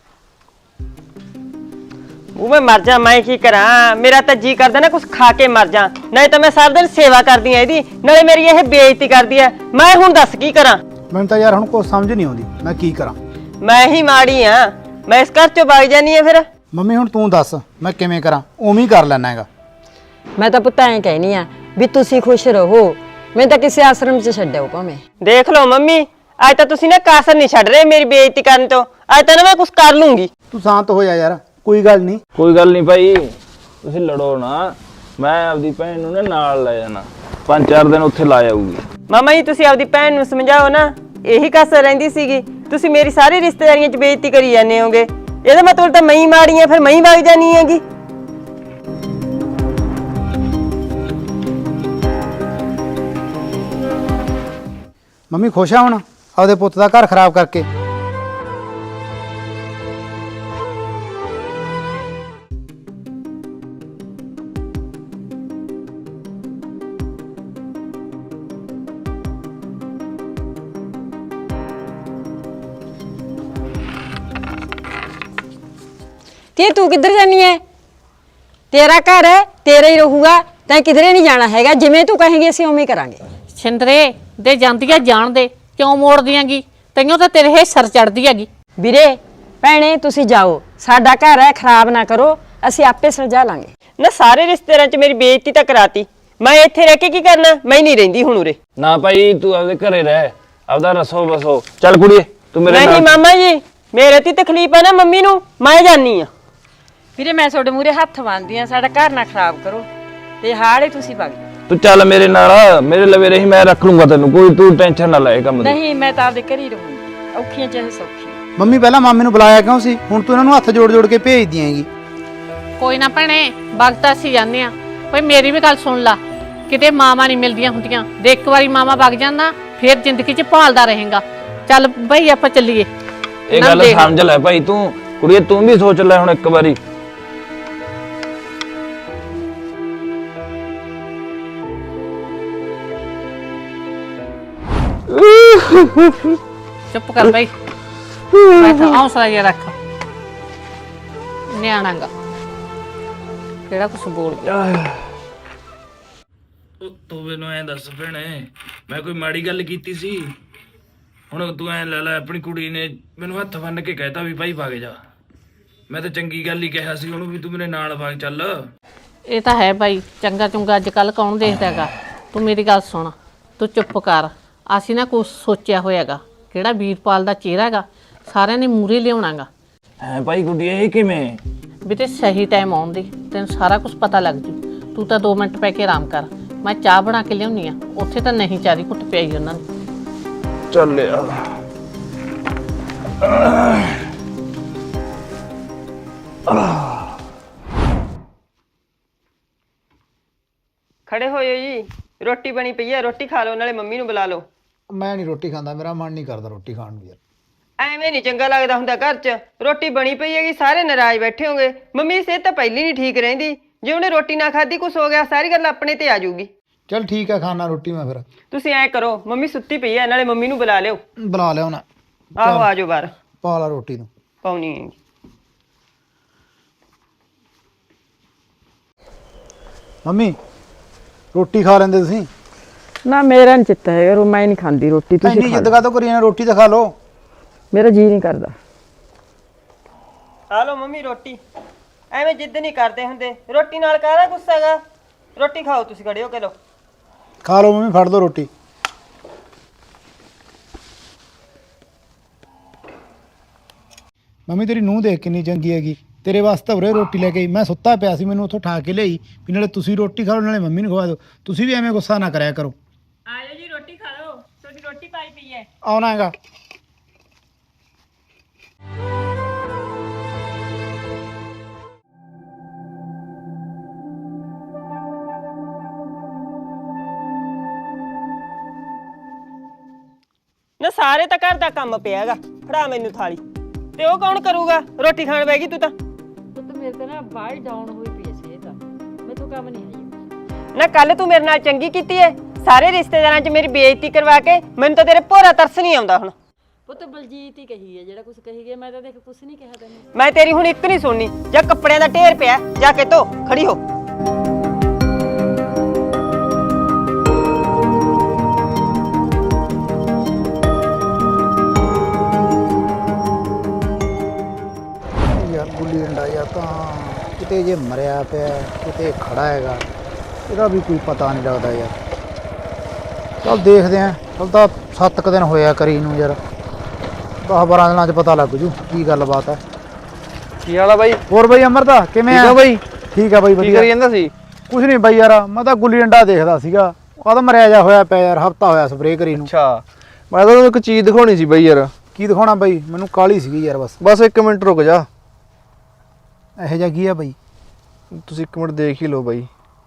Speaker 2: ਉਹ ਮੈਂ ਮਰ ਜਾ, ਮੈਂ ਕੀ ਕਰਾਂ? ਮੇਰਾ ਤਾਂ ਜੀ ਕਰਦਾ ਨਾ ਕੁਝ ਖਾ ਕੇ ਮਰ ਜਾ, ਨਹੀਂ ਤਾਂ ਮੈਂ ਸਾਰਾ ਦਿਨ ਸੇਵਾ ਕਰਦੀ ਆ ਇਹਦੀ, ਨਾਲੇ ਮੇਰੀ ਇਹ ਬੇਇੱਜ਼ਤੀ ਕਰਦੀ ਆ। ਮੈਂ ਹੁਣ ਦੱਸ ਕੀ ਕਰਾਂ?
Speaker 3: ਮੈਨੂੰ ਤਾਂ ਯਾਰ ਹੁਣ ਕੁਛ ਸਮਝ ਨਹੀਂ ਆਉਂਦੀ, ਮੈਂ ਕੀ ਕਰਾਂ।
Speaker 2: ਮੈਂ ਹੀ ਮਾੜੀ ਆ, ਮੈਂ ਇਸ ਘਰ ਚੋਂ ਵਗ ਜਾਨੀ ਆ ਫਿਰ।
Speaker 3: ਮੰਮੀ ਹੁਣ ਤੂੰ ਦੱਸ ਮੈਂ ਕਿਵੇਂ ਕਰਾਂ? ਉਵੇਂ ਹੀ ਕਰ ਲੈਣਾ ਹੈਗਾ।
Speaker 4: ਮੈਂ ਤਾਂ ਪੁੱਤ ਐਂ ਕਹਿਨੀ ਆ ਵੀ ਤੁਸੀਂ ਖੁਸ਼ ਰਹੋ, ਮੈਂ ਤਾਂ ਕਿਸੇ ਆਸ਼ਰਮ 'ਚ ਛੱਡਿਓ ਭਾਵੇਂ।
Speaker 2: ਦੇਖ ਲਓ ਮੰਮੀ, ਅੱਜ ਤਾਂ ਤੁਸੀਂ ਨਾ ਕਾਸਰ ਨਹੀਂ ਛੱਡ ਰਹੇ ਮੇਰੀ ਬੇਇੱਜ਼ਤੀ ਕਰਨ ਤੋਂ। ਅੱਜ ਤਾਂ ਨਾ ਮੈਂ ਕੁਝ ਕਰ ਲੂੰਗੀ।
Speaker 3: ਤੂੰ ਸ਼ਾਂਤ ਹੋ ਜਾ ਯਾਰ, ਕੋਈ ਗੱਲ ਨਹੀਂ।
Speaker 6: ਕੋਈ ਗੱਲ ਨਹੀਂ ਭਾਈ, ਤੁਸੀਂ ਲੜੋ ਨਾ। ਮੈਂ ਆਪਦੀ ਭੈਣ ਨੂੰ ਨਾ ਨਾਲ ਲੈ ਜਾਣਾ, ਪੰਜ ਚਾਰ ਦਿਨ ਉੱਥੇ ਲਾ ਜਾਊਗੀ।
Speaker 2: ਮਾਮਾ ਜੀ ਤੁਸੀਂ ਆਪਦੀ ਭੈਣ ਨੂੰ ਸਮਝਾਓ ਨਾ, ਇਹੀ ਕਾਸਰ ਰਹਿੰਦੀ ਸੀਗੀ। ਤੁਸੀਂ ਮੇਰੀ ਸਾਰੀ ਰਿਸ਼ਤੇਦਾਰੀਆਂ 'ਚ ਬੇਇੱਜ਼ਤੀ ਕਰੀ ਜਾਂਦੇ ਹੋਗੇ। ਇਹਦਾ ਮਤਲਬ ਤਾਂ ਮੈਂ ਹੀ ਮਾੜੀ ਆ, ਫਿਰ ਮੈਂ ਹੀ ਵਗ ਜਾਨੀ ਹੈਗੀ।
Speaker 3: ਮੰਮੀ ਖੁਸ਼ ਆ ਹੁਣ ਆਪਦੇ ਪੁੱਤ ਦਾ ਘਰ ਖਰਾਬ ਕਰਕੇ?
Speaker 4: ਤੇ ਤੂੰ ਕਿੱਧਰ ਜਾਨੀ ਐ? ਤੇਰਾ ਘਰ ਹੈ, ਤੇਰਾ ਹੀ ਰਹੂਗਾ, ਤੈਂ ਕਿਧਰੇ ਨਹੀਂ ਜਾਣਾ ਹੈਗਾ। ਜਿਵੇਂ ਤੂੰ ਕਹੇਂਗੀ ਅਸੀਂ ਉਵੇਂ ਹੀ ਕਰਾਂਗੇ।
Speaker 1: ਛਿੰਦਰੇ ਦੇ ਜਾਂਦੀ ਆ ਜਾਣ ਦੇ, ਕਿਉਂ ਮੋੜਦੀ ਆਂਗੀ? ਤੈਨੂੰ ਤਾਂ ਤੇਰੇ ਇਹ ਸਰ ਚੜਦੀ ਹੈਗੀ।
Speaker 4: ਵੀਰੇ ਭੈਣੇ ਤੁਸੀਂ ਜਾਓ, ਸਾਡਾ ਘਰ ਹੈ, ਖਰਾਬ ਨਾ ਕਰੋ, ਅਸੀਂ ਆਪੇ ਸੁਲਝਾ ਲਾਂਗੇ।
Speaker 2: ਨਾ ਸਾਰੇ ਰਿਸ਼ਤੇਦਾਰਾਂ 'ਚ ਮੇਰੀ ਬੇਇੱਜ਼ਤੀ ਤਾਂ ਕਰਾਤੀ, ਮੈਂ ਇੱਥੇ ਰਹਿ ਕੇ ਕੀ ਕਰਨਾ? ਮੈਂ ਨਹੀਂ ਰਹਿੰਦੀ ਹੁਣ ਉਰੇ।
Speaker 6: ਨਾ ਭਾਈ ਤੂੰ ਆਪਦੇ ਘਰੇ ਰਹਿ, ਆਪਦਾ ਰਸੋ ਬਸੋ। ਚੱਲ ਕੁੜੀਏ ਤੂੰ ਮੇਰੇ
Speaker 2: ਨਹੀਂ
Speaker 6: ਨਾਲ।
Speaker 2: ਮਾਮਾ ਜੀ, ਮੇਰੇ ਤੇ ਤਕਲੀਫ ਹੈ ਨਾ ਮੰਮੀ ਨੂੰ, ਮੈਂ ਜਾਨੀ ਆ।
Speaker 4: ਵੀਰੇ ਮੈਂ ਤੁਹਾਡੇ ਮੂਹਰੇ ਹੱਥ ਬੰਨ੍ਹਦੀ ਆ, ਸਾਡਾ ਘਰ ਨਾ ਖਰਾਬ ਕਰੋ ਤੇ ਹਾਲੇ ਤੁਸੀਂ ਵਗ ਜਾਓ।
Speaker 6: ਤੂੰ ਚੱਲ ਮੇਰੇ ਨਾਲ, ਮੇਰੇ ਲਵੇ ਰਹੀ, ਮੈਂ ਰੱਖ ਲੂੰਗਾ ਤੈਨੂੰ, ਕੋਈ ਤੂੰ ਟੈਨਸ਼ਨ ਨਾ ਲੈ ਇਹ ਕੰਮ ਦੀ।
Speaker 4: ਨਹੀਂ ਮੈਂ ਤਾਂ ਆਪਦੇ ਘਰ ਹੀ ਰਹੂੰਗੀ, ਔਖੀਆਂ ਚਾਹੇ ਸੌਖੀਆਂ।
Speaker 3: ਮੰਮੀ ਪਹਿਲਾਂ ਮਾਮੇ ਨੂੰ ਬੁਲਾਇਆ ਕਿਉਂ ਸੀ? ਹੁਣ ਤੂੰ ਇਹਨਾਂ ਨੂੰ ਹੱਥ ਜੋੜ ਜੋੜ ਕੇ ਭੇਜ ਦਿਆਂਗੀ।
Speaker 1: ਕੋਈ ਨਾ ਭੈਣੇ, ਵਕਤ ਅਸੀਂ ਜਾਂਦੇ ਆ। ਭਾਈ ਮੇਰੀ ਵੀ ਗੱਲ ਸੁਣ ਲਾ, ਕਿਤੇ ਮਾਮਾ ਨਹੀਂ ਮਿਲਦੀਆਂ ਹੁੰਦੀਆਂ। ਦੇ ਇੱਕ ਵਾਰੀ ਮਾਮਾ ਵਗ ਜਾਂਦਾ ਫਿਰ ਜ਼ਿੰਦਗੀ 'ਚ ਭਾਲਦਾ ਰਹੇਗਾ। ਚੱਲ ਬਈ ਆਪਾਂ ਚੱਲੀਏ।
Speaker 6: ਇਹ
Speaker 1: ਨਾ
Speaker 6: ਗੱਲ
Speaker 1: ਦੇਖ।
Speaker 6: ਸਮਝ ਲੈ ਭਾਈ ਤੂੰ, ਕੁੜੀਏ ਤੂੰ ਵੀ ਸੋਚ ਲੈ ਹੁਣ ਇੱਕ ਵਾਰੀ।
Speaker 1: ਚੁੱਪ ਕਰ ਬਈ ਬੈਠ ਹੌਸਲਾ ਜਿਹਾ ਰੱਖ ਨਿਆਣਾ ਗਾ ਕਿਹੜਾ ਕੁਛ ਬੋਲ ਗਿਆ
Speaker 6: ਉਹ ਤੂੰ ਮੈਨੂੰ ਐਂ ਦੱਸ ਭੈਣੇ ਮੈਂ ਕੋਈ ਮਾੜੀ ਗੱਲ ਕੀਤੀ ਸੀ ਹੁਣ ਤੂੰ ਐਂ ਲੈ ਲੈ ਆਪਣੀ ਕੁੜੀ ਨੇ ਮੈਨੂੰ ਹੱਥ ਬੰਨ ਕੇ ਕਹਿਤਾ ਵੀ ਭਾਈ ਵਗ ਜਾ ਮੈਂ ਤਾਂ ਚੰਗੀ ਗੱਲ ਹੀ ਕਿਹਾ ਸੀ ਉਹਨੂੰ ਵੀ ਤੂੰ ਮੇਰੇ ਨਾਲ ਵਗ ਚੱਲ
Speaker 1: ਇਹ ਤਾਂ ਹੈ ਭਾਈ ਚੰਗਾ ਚੁੰਗਾ ਅੱਜ ਕੱਲ ਕੌਣ ਦੇਖਦਾ ਹੈਗਾ ਤੂੰ ਮੇਰੀ ਗੱਲ ਸੁਣ ਤੂੰ ਚੁੱਪ ਕਰ ਅਸੀਂ ਨਾ ਕੁਛ ਸੋਚਿਆ ਹੋਇਆਗਾ ਕਿਹੜਾ ਵੀਰਪਾਲ ਦਾ ਚਿਹਰਾ ਹੈਗਾ ਸਾਰਿਆਂ ਨੇ ਮੂਰੇ ਲਿਆਉਣਾਗਾ
Speaker 6: ਹੈ ਭਾਈ ਗੁੱਡੀ ਇਹ ਕਿਵੇਂ
Speaker 1: ਵੀ ਤੇ ਸਹੀ ਟਾਈਮ ਆਉਣ ਦੀ ਤੈਨੂੰ ਸਾਰਾ ਕੁਝ ਪਤਾ ਲੱਗ ਜੂ ਤੂੰ ਤਾਂ ਦੋ ਮਿੰਟ ਪੈ ਕੇ ਆਰਾਮ ਕਰ ਮੈਂ ਚਾਹ ਬਣਾ ਕੇ ਲਿਆਉਣੀ ਆ ਉੱਥੇ ਤਾਂ ਨਹੀਂ ਚਾਰੀ ਘੁੱਟ ਪਿਆਈ ਉਹਨਾਂ ਨੂੰ
Speaker 6: ਚੱਲ ਯਾਰ
Speaker 2: ਖੜੇ ਹੋਇਓ ਜੀ ਰੋਟੀ ਬਣੀ ਪਈ ਹੈ ਰੋਟੀ ਖਾ ਲਓ ਨਾਲੇ ਮੰਮੀ ਨੂੰ ਬੁਲਾ ਲਓ
Speaker 3: ਮੈਂ ਨਹੀਂ ਰੋਟੀ ਖਾਂਦਾ ਮੇਰਾ ਮਨ ਨਹੀਂ ਕਰਦਾ ਰੋਟੀ ਖਾਣ ਨੂੰ ਯਾਰ
Speaker 2: ਐਵੇਂ ਨਹੀਂ ਚੰਗਾ ਲੱਗਦਾ ਹੁੰਦਾ ਘਰ 'ਚ ਰੋਟੀ ਬਣੀ ਪਈ ਹੈਗੀ ਸਾਰੇ ਨਾਰਾਜ਼ ਬੈਠੇ ਹੋਗੇ ਮੰਮੀ ਦੀ ਸਿਹਤ ਤਾਂ ਪਹਿਲੀ ਨਹੀਂ ਠੀਕ ਰਹਿੰਦੀ ਜੇ ਉਹਨੇ ਰੋਟੀ ਨਾ ਖਾਧੀ ਕੁਛ ਹੋ ਗਿਆ ਸਾਰੀ ਗੱਲ ਆਪਣੇ ਤੇ ਆ ਜਾਊਗੀ
Speaker 3: ਚਲ ਠੀਕ ਹੈ ਖਾਣਾ ਰੋਟੀ ਮੈਂ ਫਿਰ
Speaker 2: ਤੁਸੀਂ ਐ ਕਰੋ ਮੰਮੀ ਸੁੱਤੀ ਪਈ ਹੈ ਨਾਲੇ ਮੰਮੀ ਨੂੰ ਬੁਲਾ ਲਿਓ
Speaker 3: ਬੁਲਾ ਲਿਆ ਉਹਨਾਂ
Speaker 2: ਆਹੋ ਆ ਜਾਓ ਬਾਹਰ
Speaker 3: ਪਾ ਲਾ ਰੋਟੀ ਨੂੰ
Speaker 2: ਪਾਉਣੀ ਹੈ
Speaker 3: ਮੰਮੀ ਰੋਟੀ ਖਾ ਲੈਂਦੇ ਤੁਸੀਂ
Speaker 7: ਨਾ ਮੇਰਾ ਨੀ ਚਿੱਤ ਹੈਗਾ ਰੋ ਮੈਂ ਨਹੀਂ ਖਾਂਦੀ ਰੋਟੀ ਤੁਸੀਂ
Speaker 3: ਇੰਨੀ
Speaker 7: ਖਾ
Speaker 3: ਜਿੱਦ
Speaker 7: ਲਓ।
Speaker 3: ਕਾਹਤੋਂ ਕਰੀ ਜਾਂਦੇ ਰੋਟੀ ਤਾਂ ਖਾ ਲਓ
Speaker 7: ਮੇਰਾ ਜੀ ਨਹੀਂ ਕਰਦਾ
Speaker 2: ਆ ਲਓ ਮੰਮੀ ਰੋਟੀ ਐਵੇਂ ਜਿੱਦ ਨਹੀਂ ਕਰਦੇ ਹੁੰਦੇ ਰੋਟੀ ਨਾਲ ਕਾਹਦਾ ਗੁੱਸਾ ਹੈਗਾ ਰੋਟੀ ਖਾਓ ਤੁਸੀਂ ਖੜੇ ਹੋ ਕੇ ਲਓ
Speaker 3: ਖਾ ਲਓ ਮੰਮੀ ਫੜ ਲਓ ਰੋਟੀ ਮੰਮੀ ਤੇਰੀ ਨੂੰਹ ਦੇਖ ਕਿੰਨੀ ਚੰਗੀ ਹੈਗੀ ਤੇਰੇ ਵਾਸਤੇ ਉਰੇ ਰੋਟੀ ਲੈ ਕੇ ਆਈ ਮੈਂ ਸੁੱਤਾ ਪਿਆ ਸੀ ਮੈਨੂੰ ਉੱਥੋਂ ਠਾ ਕੇ ਲਿਆਈ ਵੀ ਨਾਲੇ ਤੁਸੀਂ ਰੋਟੀ ਖਾ ਲਓ ਨਾਲੇ ਮੰਮੀ ਨੂੰ ਖਵਾ ਦਿਓ ਤੁਸੀਂ ਵੀ ਐਵੇਂ ਗੁੱਸਾ ਨਾ ਕਰਿਆ ਕਰੋ
Speaker 2: ਆਜੋ ਜੀ ਰੋਟੀ ਖਾ ਲਓ ਤੁਹਾਡੀ ਰੋਟੀ ਪਾਈ ਪਈ ਹੈ
Speaker 3: ਆਉਣਾ ਹੈਗਾ
Speaker 2: ਨਾ ਸਾਰੇ ਤਾਂ ਘਰ ਦਾ ਕੰਮ ਪਿਆ ਹੈਗਾ ਫੜਾ ਮੈਨੂੰ ਥਾਲੀ ਤੇ ਉਹ ਕੌਣ ਕਰੂਗਾ ਰੋਟੀ ਖਾਣ ਬੈਗੀ ਤੂੰ ਤਾਂ
Speaker 4: ਪੁੱਤ ਮੇਰੇ ਤੇ ਨਾ ਬਾਹਰ ਡਾਊਨ ਹੋਈ ਪਈ ਸੀ ਇਹ ਤਾਂ ਮੈਨੂੰ ਕੰਮ ਨਹੀਂ ਹੈ
Speaker 2: ਨਾ ਕੱਲ ਤੂੰ ਮੇਰੇ ਨਾਲ ਚੰਗੀ ਕੀਤੀ ਏ ਸਾਰੇ ਰਿਸ਼ਤੇਦਾਰਾਂ 'ਚ ਮੇਰੀ ਬੇਇੱਜ਼ਤੀ ਕਰਵਾ ਕੇ ਮੈਨੂੰ ਤਾਂ ਤੇਰੇ ਭੋਰਾ ਤਰਸ ਨਹੀਂ ਆਉਂਦਾ ਹੁਣ
Speaker 4: ਪੁੱਤ ਬਲਜੀਤ ਹੀ ਕਹੀ ਹੈ ਜਿਹੜਾ ਕੁਝ ਕਹੀ ਗਿਆ ਮੈਂ ਤਾਂ ਦੇਖ ਕੁਝ ਨਹੀਂ ਕਿਹਾ ਤੈਨੂੰ
Speaker 2: ਮੈਂ ਤੇਰੀ ਹੁਣ ਇੱਕ ਨਹੀਂ ਸੁਣਨੀ ਜਾਂ ਕੱਪੜਿਆਂ ਦਾ ਢੇਰ ਪਿਆ ਜਾ ਕੇ ਧੋ ਖੜੀ ਹੋ
Speaker 3: ਯਾਰ ਗੁੱਲੀ ਡੰਡਾ ਜਾਂ ਤਾਂ ਕਿਤੇ ਜੇ ਮਰਿਆ ਪਿਆ ਕਿਤੇ ਖੜਾ ਹੈਗਾ ਇਹਦਾ ਵੀ ਕੋਈ ਪਤਾ ਨਹੀਂ ਲੱਗਦਾ ਯਾਰ ਚਲ ਦੇਖਦੇ ਆਂ ਚਲ ਤਾਂ ਸੱਤ ਕੁ ਦਿਨ ਹੋਇਆ ਕਰੀ ਨੂੰ ਯਾਰ ਦਸ ਬਾਰਾਂ ਦਿਨਾਂ 'ਚ ਪਤਾ ਲੱਗ ਜੂ ਕੀ ਗੱਲਬਾਤ ਹੈ
Speaker 5: ਕੀ ਹਾਲ ਆ ਬਾਈ
Speaker 3: ਹੋਰ ਬਈ ਅਮਰਦਾ ਕਿਵੇਂ ਆ
Speaker 5: ਬਾਈ
Speaker 3: ਠੀਕ ਆ ਬਈ
Speaker 5: ਕੀ ਕਰੀ
Speaker 3: ਵਧੀਆ
Speaker 5: ਜਾਂਦਾ ਸੀ
Speaker 3: ਕੁਝ ਨਹੀਂ ਬਈ ਯਾਰ ਮੈਂ ਤਾਂ ਗੁੱਲੀ ਡੰਡਾ ਦੇਖਦਾ ਸੀਗਾ ਉਹ ਤਾਂ ਮਰਿਆ ਜਾ ਹੋਇਆ ਪਿਆ ਯਾਰ ਹਫਤਾ ਹੋਇਆ ਸਪਰੇਅ ਕਰੀ ਨੂੰ
Speaker 5: ਅੱਛਾ ਮੈਂ ਤਾਂ ਤੁਹਾਨੂੰ ਇੱਕ ਚੀਜ਼ ਦਿਖਾਉਣੀ ਸੀ ਬਾਈ ਯਾਰ
Speaker 3: ਕੀ ਦਿਖਾਉਣਾ ਬਈ ਮੈਨੂੰ ਕਾਹਲੀ ਸੀਗੀ ਯਾਰ ਬਸ
Speaker 5: ਬਸ ਇੱਕ ਮਿੰਟ ਰੁਕ ਜਾ
Speaker 3: ਇਹੋ ਜਿਹਾ ਕੀ ਆ ਬਈ
Speaker 5: ਤੁਸੀਂ ਇੱਕ ਮਿੰਟ ਦੇਖ ਹੀ ਲਓ ਬਾਈ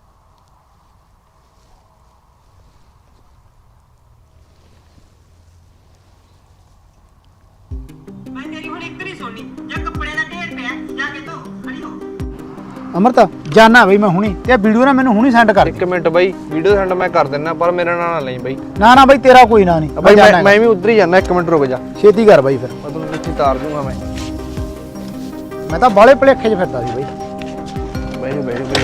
Speaker 2: ਮੈਂ ਤੇਰੀ ਹੁਣ ਇੱਕ ਨਹੀਂ ਸੁਣਨੀ ਜਾਂ ਕੱਪੜਿਆਂ ਦਾ ਢੇਰ ਪਿਆ ਜਾ ਕੇ ਧੋ ਖੜੀ ਹੋ
Speaker 3: ਅਮਰਤਾ ਜਾਨਾ ਬਈ ਮੈਂ ਹੁਣੀ ਤੇ ਵੀਡੀਓ ਨਾ ਮੈਨੂੰ ਹੁਣੀ ਸੈਂਡ ਕਰ
Speaker 5: ਇੱਕ ਮਿੰਟ ਬਾਈ ਵੀਡੀਓ ਸੈਂਡ ਮੈਂ ਕਰ ਦਿੰਦਾ ਪਰ ਮੇਰਾ ਨਾਂ ਨਾ ਲਈ ਬਾਈ
Speaker 3: ਨਾ ਨਾ ਬਈ ਤੇਰਾ ਕੋਈ ਨਾ ਨਹੀਂ
Speaker 5: ਬਾਈ ਮੈਂ ਮੈਂ ਵੀ ਉਧਰ ਹੀ ਜਾਣਾ ਇੱਕ ਮਿੰਟ ਰੁਕ ਜਾ
Speaker 3: ਛੇਤੀ ਕਰ ਬਈ ਫਿਰ
Speaker 5: ਮੈਂ ਤੁਹਾਨੂੰ ਨੀਚੇ ਤਾਰ ਦੂੰਗਾ ਮੈਂ
Speaker 3: ਮੈਂ ਤਾਂ ਬਾਲੇ ਭਲੇਖੇ 'ਚ ਫਿਰਦਾ ਸੀ ਬਈ
Speaker 5: ਬਾਈ ਬਾਈ ਬਾਈ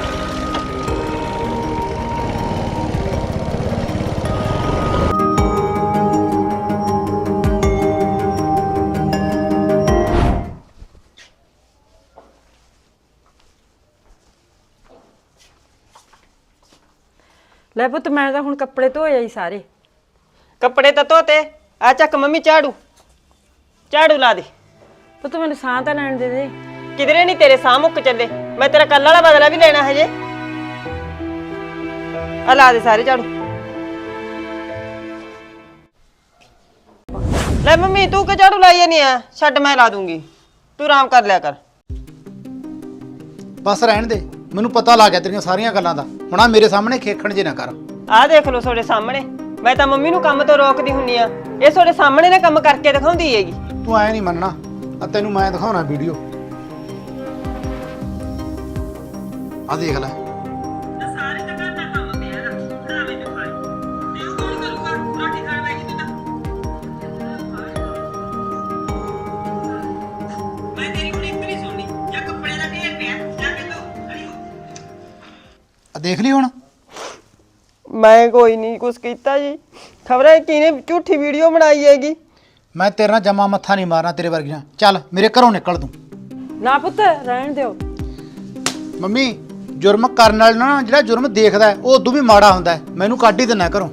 Speaker 4: ਲੈ ਪੁੱਤ ਮੈਂ ਤਾਂ ਹੁਣ ਕੱਪੜੇ ਧੋਏ ਆਈ ਸਾਰੇ
Speaker 2: ਕੱਪੜੇ ਤਾਂ ਧੋਤੇ ਆ ਚੱਕ ਮੰਮੀ ਝਾੜੂ ਝਾੜੂ ਲਾ ਦੇ
Speaker 4: ਪੁੱਤ ਮੈਨੂੰ ਸਾਹ ਤਾਂ ਲੈਣ ਦੇ ਦੇ
Speaker 2: ਕਿਧਰੇ ਨਹੀਂ ਤੇਰੇ ਸਾਹ ਮੁੱਕ ਚੱਲੇ ਮੈਂ ਤੇਰਾ ਕੱਲ ਵਾਲਾ ਬਦਲਾ ਵੀ ਲੈਣਾ ਹਜੇ ਆ ਲਾ ਦੇ ਸਾਰੇ ਝਾੜੂ ਲੈ ਮੰਮੀ ਤੂੰ ਕਿ ਝਾੜੂ ਲਾਈਏ ਨਹੀਂ ਆ ਛੱਡ ਮੈਂ ਲਾ ਦੂੰਗੀ ਤੂੰ ਆਰਾਮ ਕਰ ਲਿਆ ਕਰ
Speaker 3: ਬਸ ਰਹਿਣ ਦੇ ਮੈਨੂੰ ਪਤਾ ਲੱਗ ਗਿਆ ਤੇਰੀਆਂ ਸਾਰੀਆਂ ਗੱਲਾਂ ਦਾ ਹੁਣ ਆ ਮੇਰੇ ਸਾਹਮਣੇ ਖੇਖਣ ਜੇ ਨਾ ਕਰ
Speaker 2: ਆਹ ਦੇਖ ਲਓ ਤੁਹਾਡੇ ਸਾਹਮਣੇ ਮੈਂ ਤਾਂ ਮੰਮੀ ਨੂੰ ਕੰਮ ਤੋਂ ਰੋਕਦੀ ਹੁੰਨੀ ਆ ਇਹ ਤੁਹਾਡੇ ਸਾਹਮਣੇ ਨਾ ਕੰਮ ਕਰਕੇ ਦਿਖਾਉਂਦੀ ਹੈਗੀ
Speaker 3: ਤੂੰ ਐ ਨਹੀਂ ਮੰਨਣਾ ਆ ਤੈਨੂੰ ਮੈਂ ਦਿਖਾਉਣਾ ਵੀਡੀਓ ਆ ਦੇਖ ਲੈ
Speaker 2: ਸਾਰੇ ਤਾਂ ਘਰ ਦਾ ਕੰਮ ਪਿਆ ਨਾ ਭਰਾ ਮੈਨੂੰ ਖਾਈ ਤੇ ਉਹ ਕੌਣ ਕਰੂਗਾ ਰੋਟੀ ਖਾਣ ਬੈਠੀ ਤੂੰ ਤਾਂ
Speaker 3: ਆ ਦੇਖ ਲਈ ਹੁਣ।
Speaker 2: ਮੈਂ ਕੋਈ ਨਹੀਂ ਕੁਛ ਕੀਤਾ ਜੀ। ਖਬਰਾਂ ਕਿਹਨੇ ਝੂਠੀ ਵੀਡੀਓ ਬਣਾਈ ਹੈਗੀ।
Speaker 3: ਮੈਂ ਤੇਰੇ ਨਾਲ ਜਮਾ ਮੱਥਾ ਨਹੀਂ ਮਾਰਨਾ ਤੇਰੇ ਵਰਗੀਆਂ। ਚੱਲ ਮੇਰੇ ਘਰੋਂ ਨਿਕਲ ਤੂੰ।
Speaker 4: ਨਾ ਪੁੱਤ ਰਹਿਣ ਦਿਓ।
Speaker 3: ਮੰਮੀ ਜੁਰਮ ਕਰਨ ਵਾਲੇ ਨਾ ਜਿਹੜਾ ਜੁਰਮ ਦੇਖਦਾ ਉਹ ਉਦੋਂ ਵੀ ਮਾੜਾ ਹੁੰਦਾ ਹੈ। ਮੈਨੂੰ ਕੱਢ ਹੀ ਦਿੰਨਾ ਘਰੋਂ।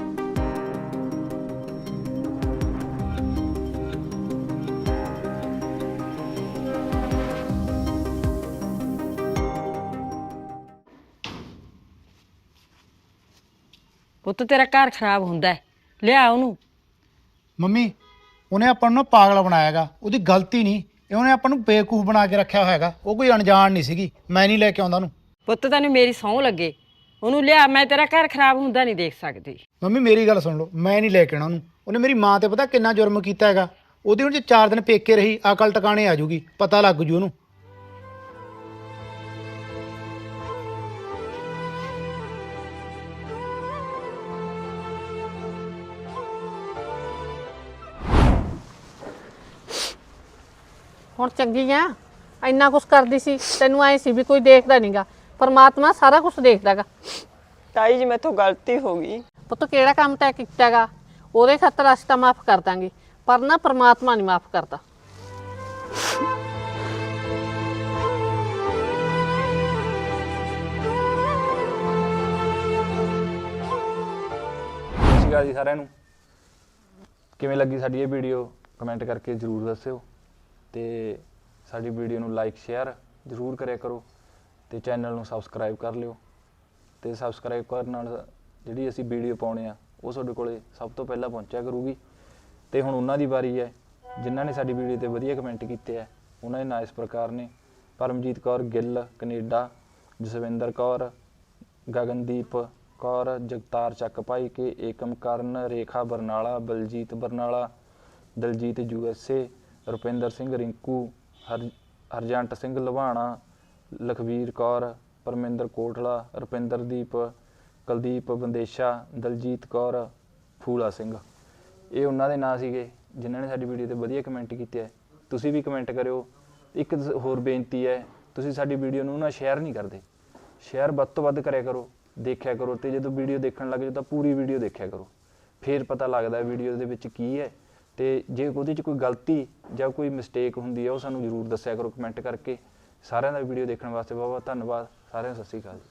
Speaker 4: ਪੁੱਤ ਤੇਰਾ ਘਰ ਖਰਾਬ ਹੁੰਦਾ ਹੈ, ਲਿਆ ਉਹਨੂੰ।
Speaker 3: ਮੰਮੀ ਉਹਨੇ ਆਪਾਂ ਨੂੰ ਨਾ ਪਾਗਲ ਬਣਾਇਆਗਾ, ਉਹਦੀ ਗਲਤੀ ਨਹੀਂ, ਇਹ ਉਹਨੇ ਆਪਾਂ ਨੂੰ ਬੇਵਕੂਫ ਬਣਾ ਕੇ ਰੱਖਿਆ ਹੋਇਆਗਾ। ਉਹ ਕੋਈ ਅਣਜਾਣ ਨਹੀਂ ਸੀਗੀ, ਮੈਂ ਨਹੀਂ ਲੈ ਕੇ ਆਉਂਦਾ ਉਹਨੂੰ।
Speaker 4: ਪੁੱਤ ਤੈਨੂੰ ਮੇਰੀ ਸਹੁੰ ਲੱਗੇ, ਉਹਨੂੰ ਲਿਆ। ਮੈਂ ਤੇਰਾ ਘਰ ਖਰਾਬ ਹੁੰਦਾ ਨਹੀਂ ਦੇਖ ਸਕਦੀ।
Speaker 3: ਮੰਮੀ ਮੇਰੀ ਗੱਲ ਸੁਣ ਲਓ, ਮੈਂ ਨਹੀਂ ਲੈ ਕੇ ਆਉਣਾ ਉਹਨੂੰ। ਉਹਨੇ ਮੇਰੀ ਮਾਂ ਤੇ ਪਤਾ ਕਿੰਨਾ ਜੁਰਮ ਕੀਤਾ ਹੈਗਾ। ਉਹਦੀ ਹੁਣ ਜੇ ਚਾਰ ਦਿਨ ਪੇਕੇ ਰਹੀ ਅਕਲ ਟਿਕਾਣੇ ਆ ਜੂਗੀ, ਪਤਾ ਲੱਗ ਜੂ ਉਹਨੂੰ।
Speaker 1: ਹੁਣ ਚੰਗੀ ਆ, ਇੰਨਾ ਕੁਛ ਕਰਦੀ ਸੀ, ਤੈਨੂੰ ਐ ਸੀ ਵੀ ਕੋਈ ਦੇਖਦਾ ਨਹੀਂਗਾ। ਪਰਮਾਤਮਾ ਸਾਰਾ ਕੁਝ ਦੇਖਦਾਗਾ।
Speaker 2: ਤਾਈ ਜੀ ਮੈਥੋਂ ਗਲਤੀ ਹੋ ਗਈ।
Speaker 1: ਪੁੱਤ ਕਿਹੜਾ ਕੰਮ ਤੈਂ ਕੀਤਾਗਾ, ਉਹਦੇ ਖਾਤਰ ਅਸੀਂ ਤਾਂ ਮਾਫ ਕਰ ਦਾਂਗੇ, ਪਰ ਨਾ ਪਰਮਾਤਮਾ ਨਹੀਂ ਮਾਫ ਕਰਦਾ।
Speaker 8: ਸਤਿ ਸ਼੍ਰੀ ਅਕਾਲ ਜੀ ਸਾਰਿਆਂ ਨੂੰ। ਕਿਵੇਂ ਲੱਗੀ ਸਾਡੀ ਇਹ ਵੀਡੀਓ ਕਮੈਂਟ ਕਰਕੇ ਜ਼ਰੂਰ ਦੱਸਿਓ ਤੇ ਸਾਡੀ ਵੀਡੀਓ ਨੂੰ ਲਾਈਕ ਸ਼ੇਅਰ ਜ਼ਰੂਰ ਕਰਿਆ ਕਰੋ ਤੇ ਚੈਨਲ ਨੂੰ ਸਬਸਕ੍ਰਾਈਬ ਕਰ ਲਿਓ। ਤੇ ਸਬਸਕ੍ਰਾਈਬ ਕਰਨ ਨਾਲ ਜਿਹੜੀ ਅਸੀਂ ਵੀਡੀਓ ਪਾਉਣੇ ਆ ਉਹ ਤੁਹਾਡੇ ਕੋਲੇ ਸਭ ਤੋਂ ਪਹਿਲਾਂ ਪਹੁੰਚਿਆ ਕਰੂਗੀ। ਤੇ ਹੁਣ ਉਹਨਾਂ ਦੀ ਵਾਰੀ ਹੈ ਜਿਨ੍ਹਾਂ ਨੇ ਸਾਡੀ ਵੀਡੀਓ ਤੇ ਵਧੀਆ ਕਮੈਂਟ ਕੀਤੇ ਆ। ਉਹਨਾਂ ਦੇ ਨਾਂ ਇਸ ਪ੍ਰਕਾਰ ਨੇ: Paramjit Kaur Gill Canada, Jaswinder Kaur, Gagandeep Kaur, Jagtar Chak Bhai Ke, Ekam Karan, Rekha Barnala, Baljit Barnala, Daljit U S A, Rupinder Singh Rinku, Har Harjant Singh Lawana, Lakhvir Kaur, Parminder Kotla, Rupinderdeep, Kuldeep Bandesha, Daljit Kaur, Phula Singh. ਇਹ ਉਹਨਾਂ ਦੇ ਨਾਂ ਸੀਗੇ ਜਿਨ੍ਹਾਂ ਨੇ ਸਾਡੀ ਵੀਡੀਓ ਤੇ ਵਧੀਆ ਕਮੈਂਟ ਕੀਤੇ ਹੈ। ਤੁਸੀਂ ਵੀ ਕਮੈਂਟ ਕਰਿਓ। ਇੱਕ ਹੋਰ ਬੇਨਤੀ ਹੈ, ਤੁਸੀਂ ਸਾਡੀ ਵੀਡੀਓ ਨੂੰ ਨਾ ਸ਼ੇਅਰ ਨਹੀਂ ਕਰਦੇ, ਸ਼ੇਅਰ ਵੱਧ ਤੋਂ ਵੱਧ ਕਰਿਆ ਕਰੋ, ਦੇਖਿਆ ਕਰੋ। ਤੇ ਜਦੋਂ ਵੀਡੀਓ ਦੇਖਣ ਲੱਗ ਜਾਓ ਤਾਂ ਪੂਰੀ ਵੀਡੀਓ ਦੇਖਿਆ ਕਰੋ, ਫਿਰ ਪਤਾ ਲੱਗਦਾ ਵੀਡੀਓ ਦੇ ਵਿੱਚ ਕੀ ਹੈ। ਤੇ ਜੇ ਉਹਦੇ 'ਚ ਕੋਈ ਗਲਤੀ ਜਾਂ ਕੋਈ ਮਿਸਟੇਕ ਹੁੰਦੀ ਹੈ ਉਹ ਸਾਨੂੰ ਜ਼ਰੂਰ ਦੱਸਿਆ ਕਰੋ ਕਮੈਂਟ ਕਰਕੇ। ਸਾਰਿਆਂ ਦਾ ਵੀਡੀਓ ਦੇਖਣ ਵਾਸਤੇ ਬਹੁਤ ਬਹੁਤ ਧੰਨਵਾਦ। ਸਾਰਿਆਂ ਨੂੰ ਸਤਿ ਸ਼੍ਰੀ ਅਕਾਲ।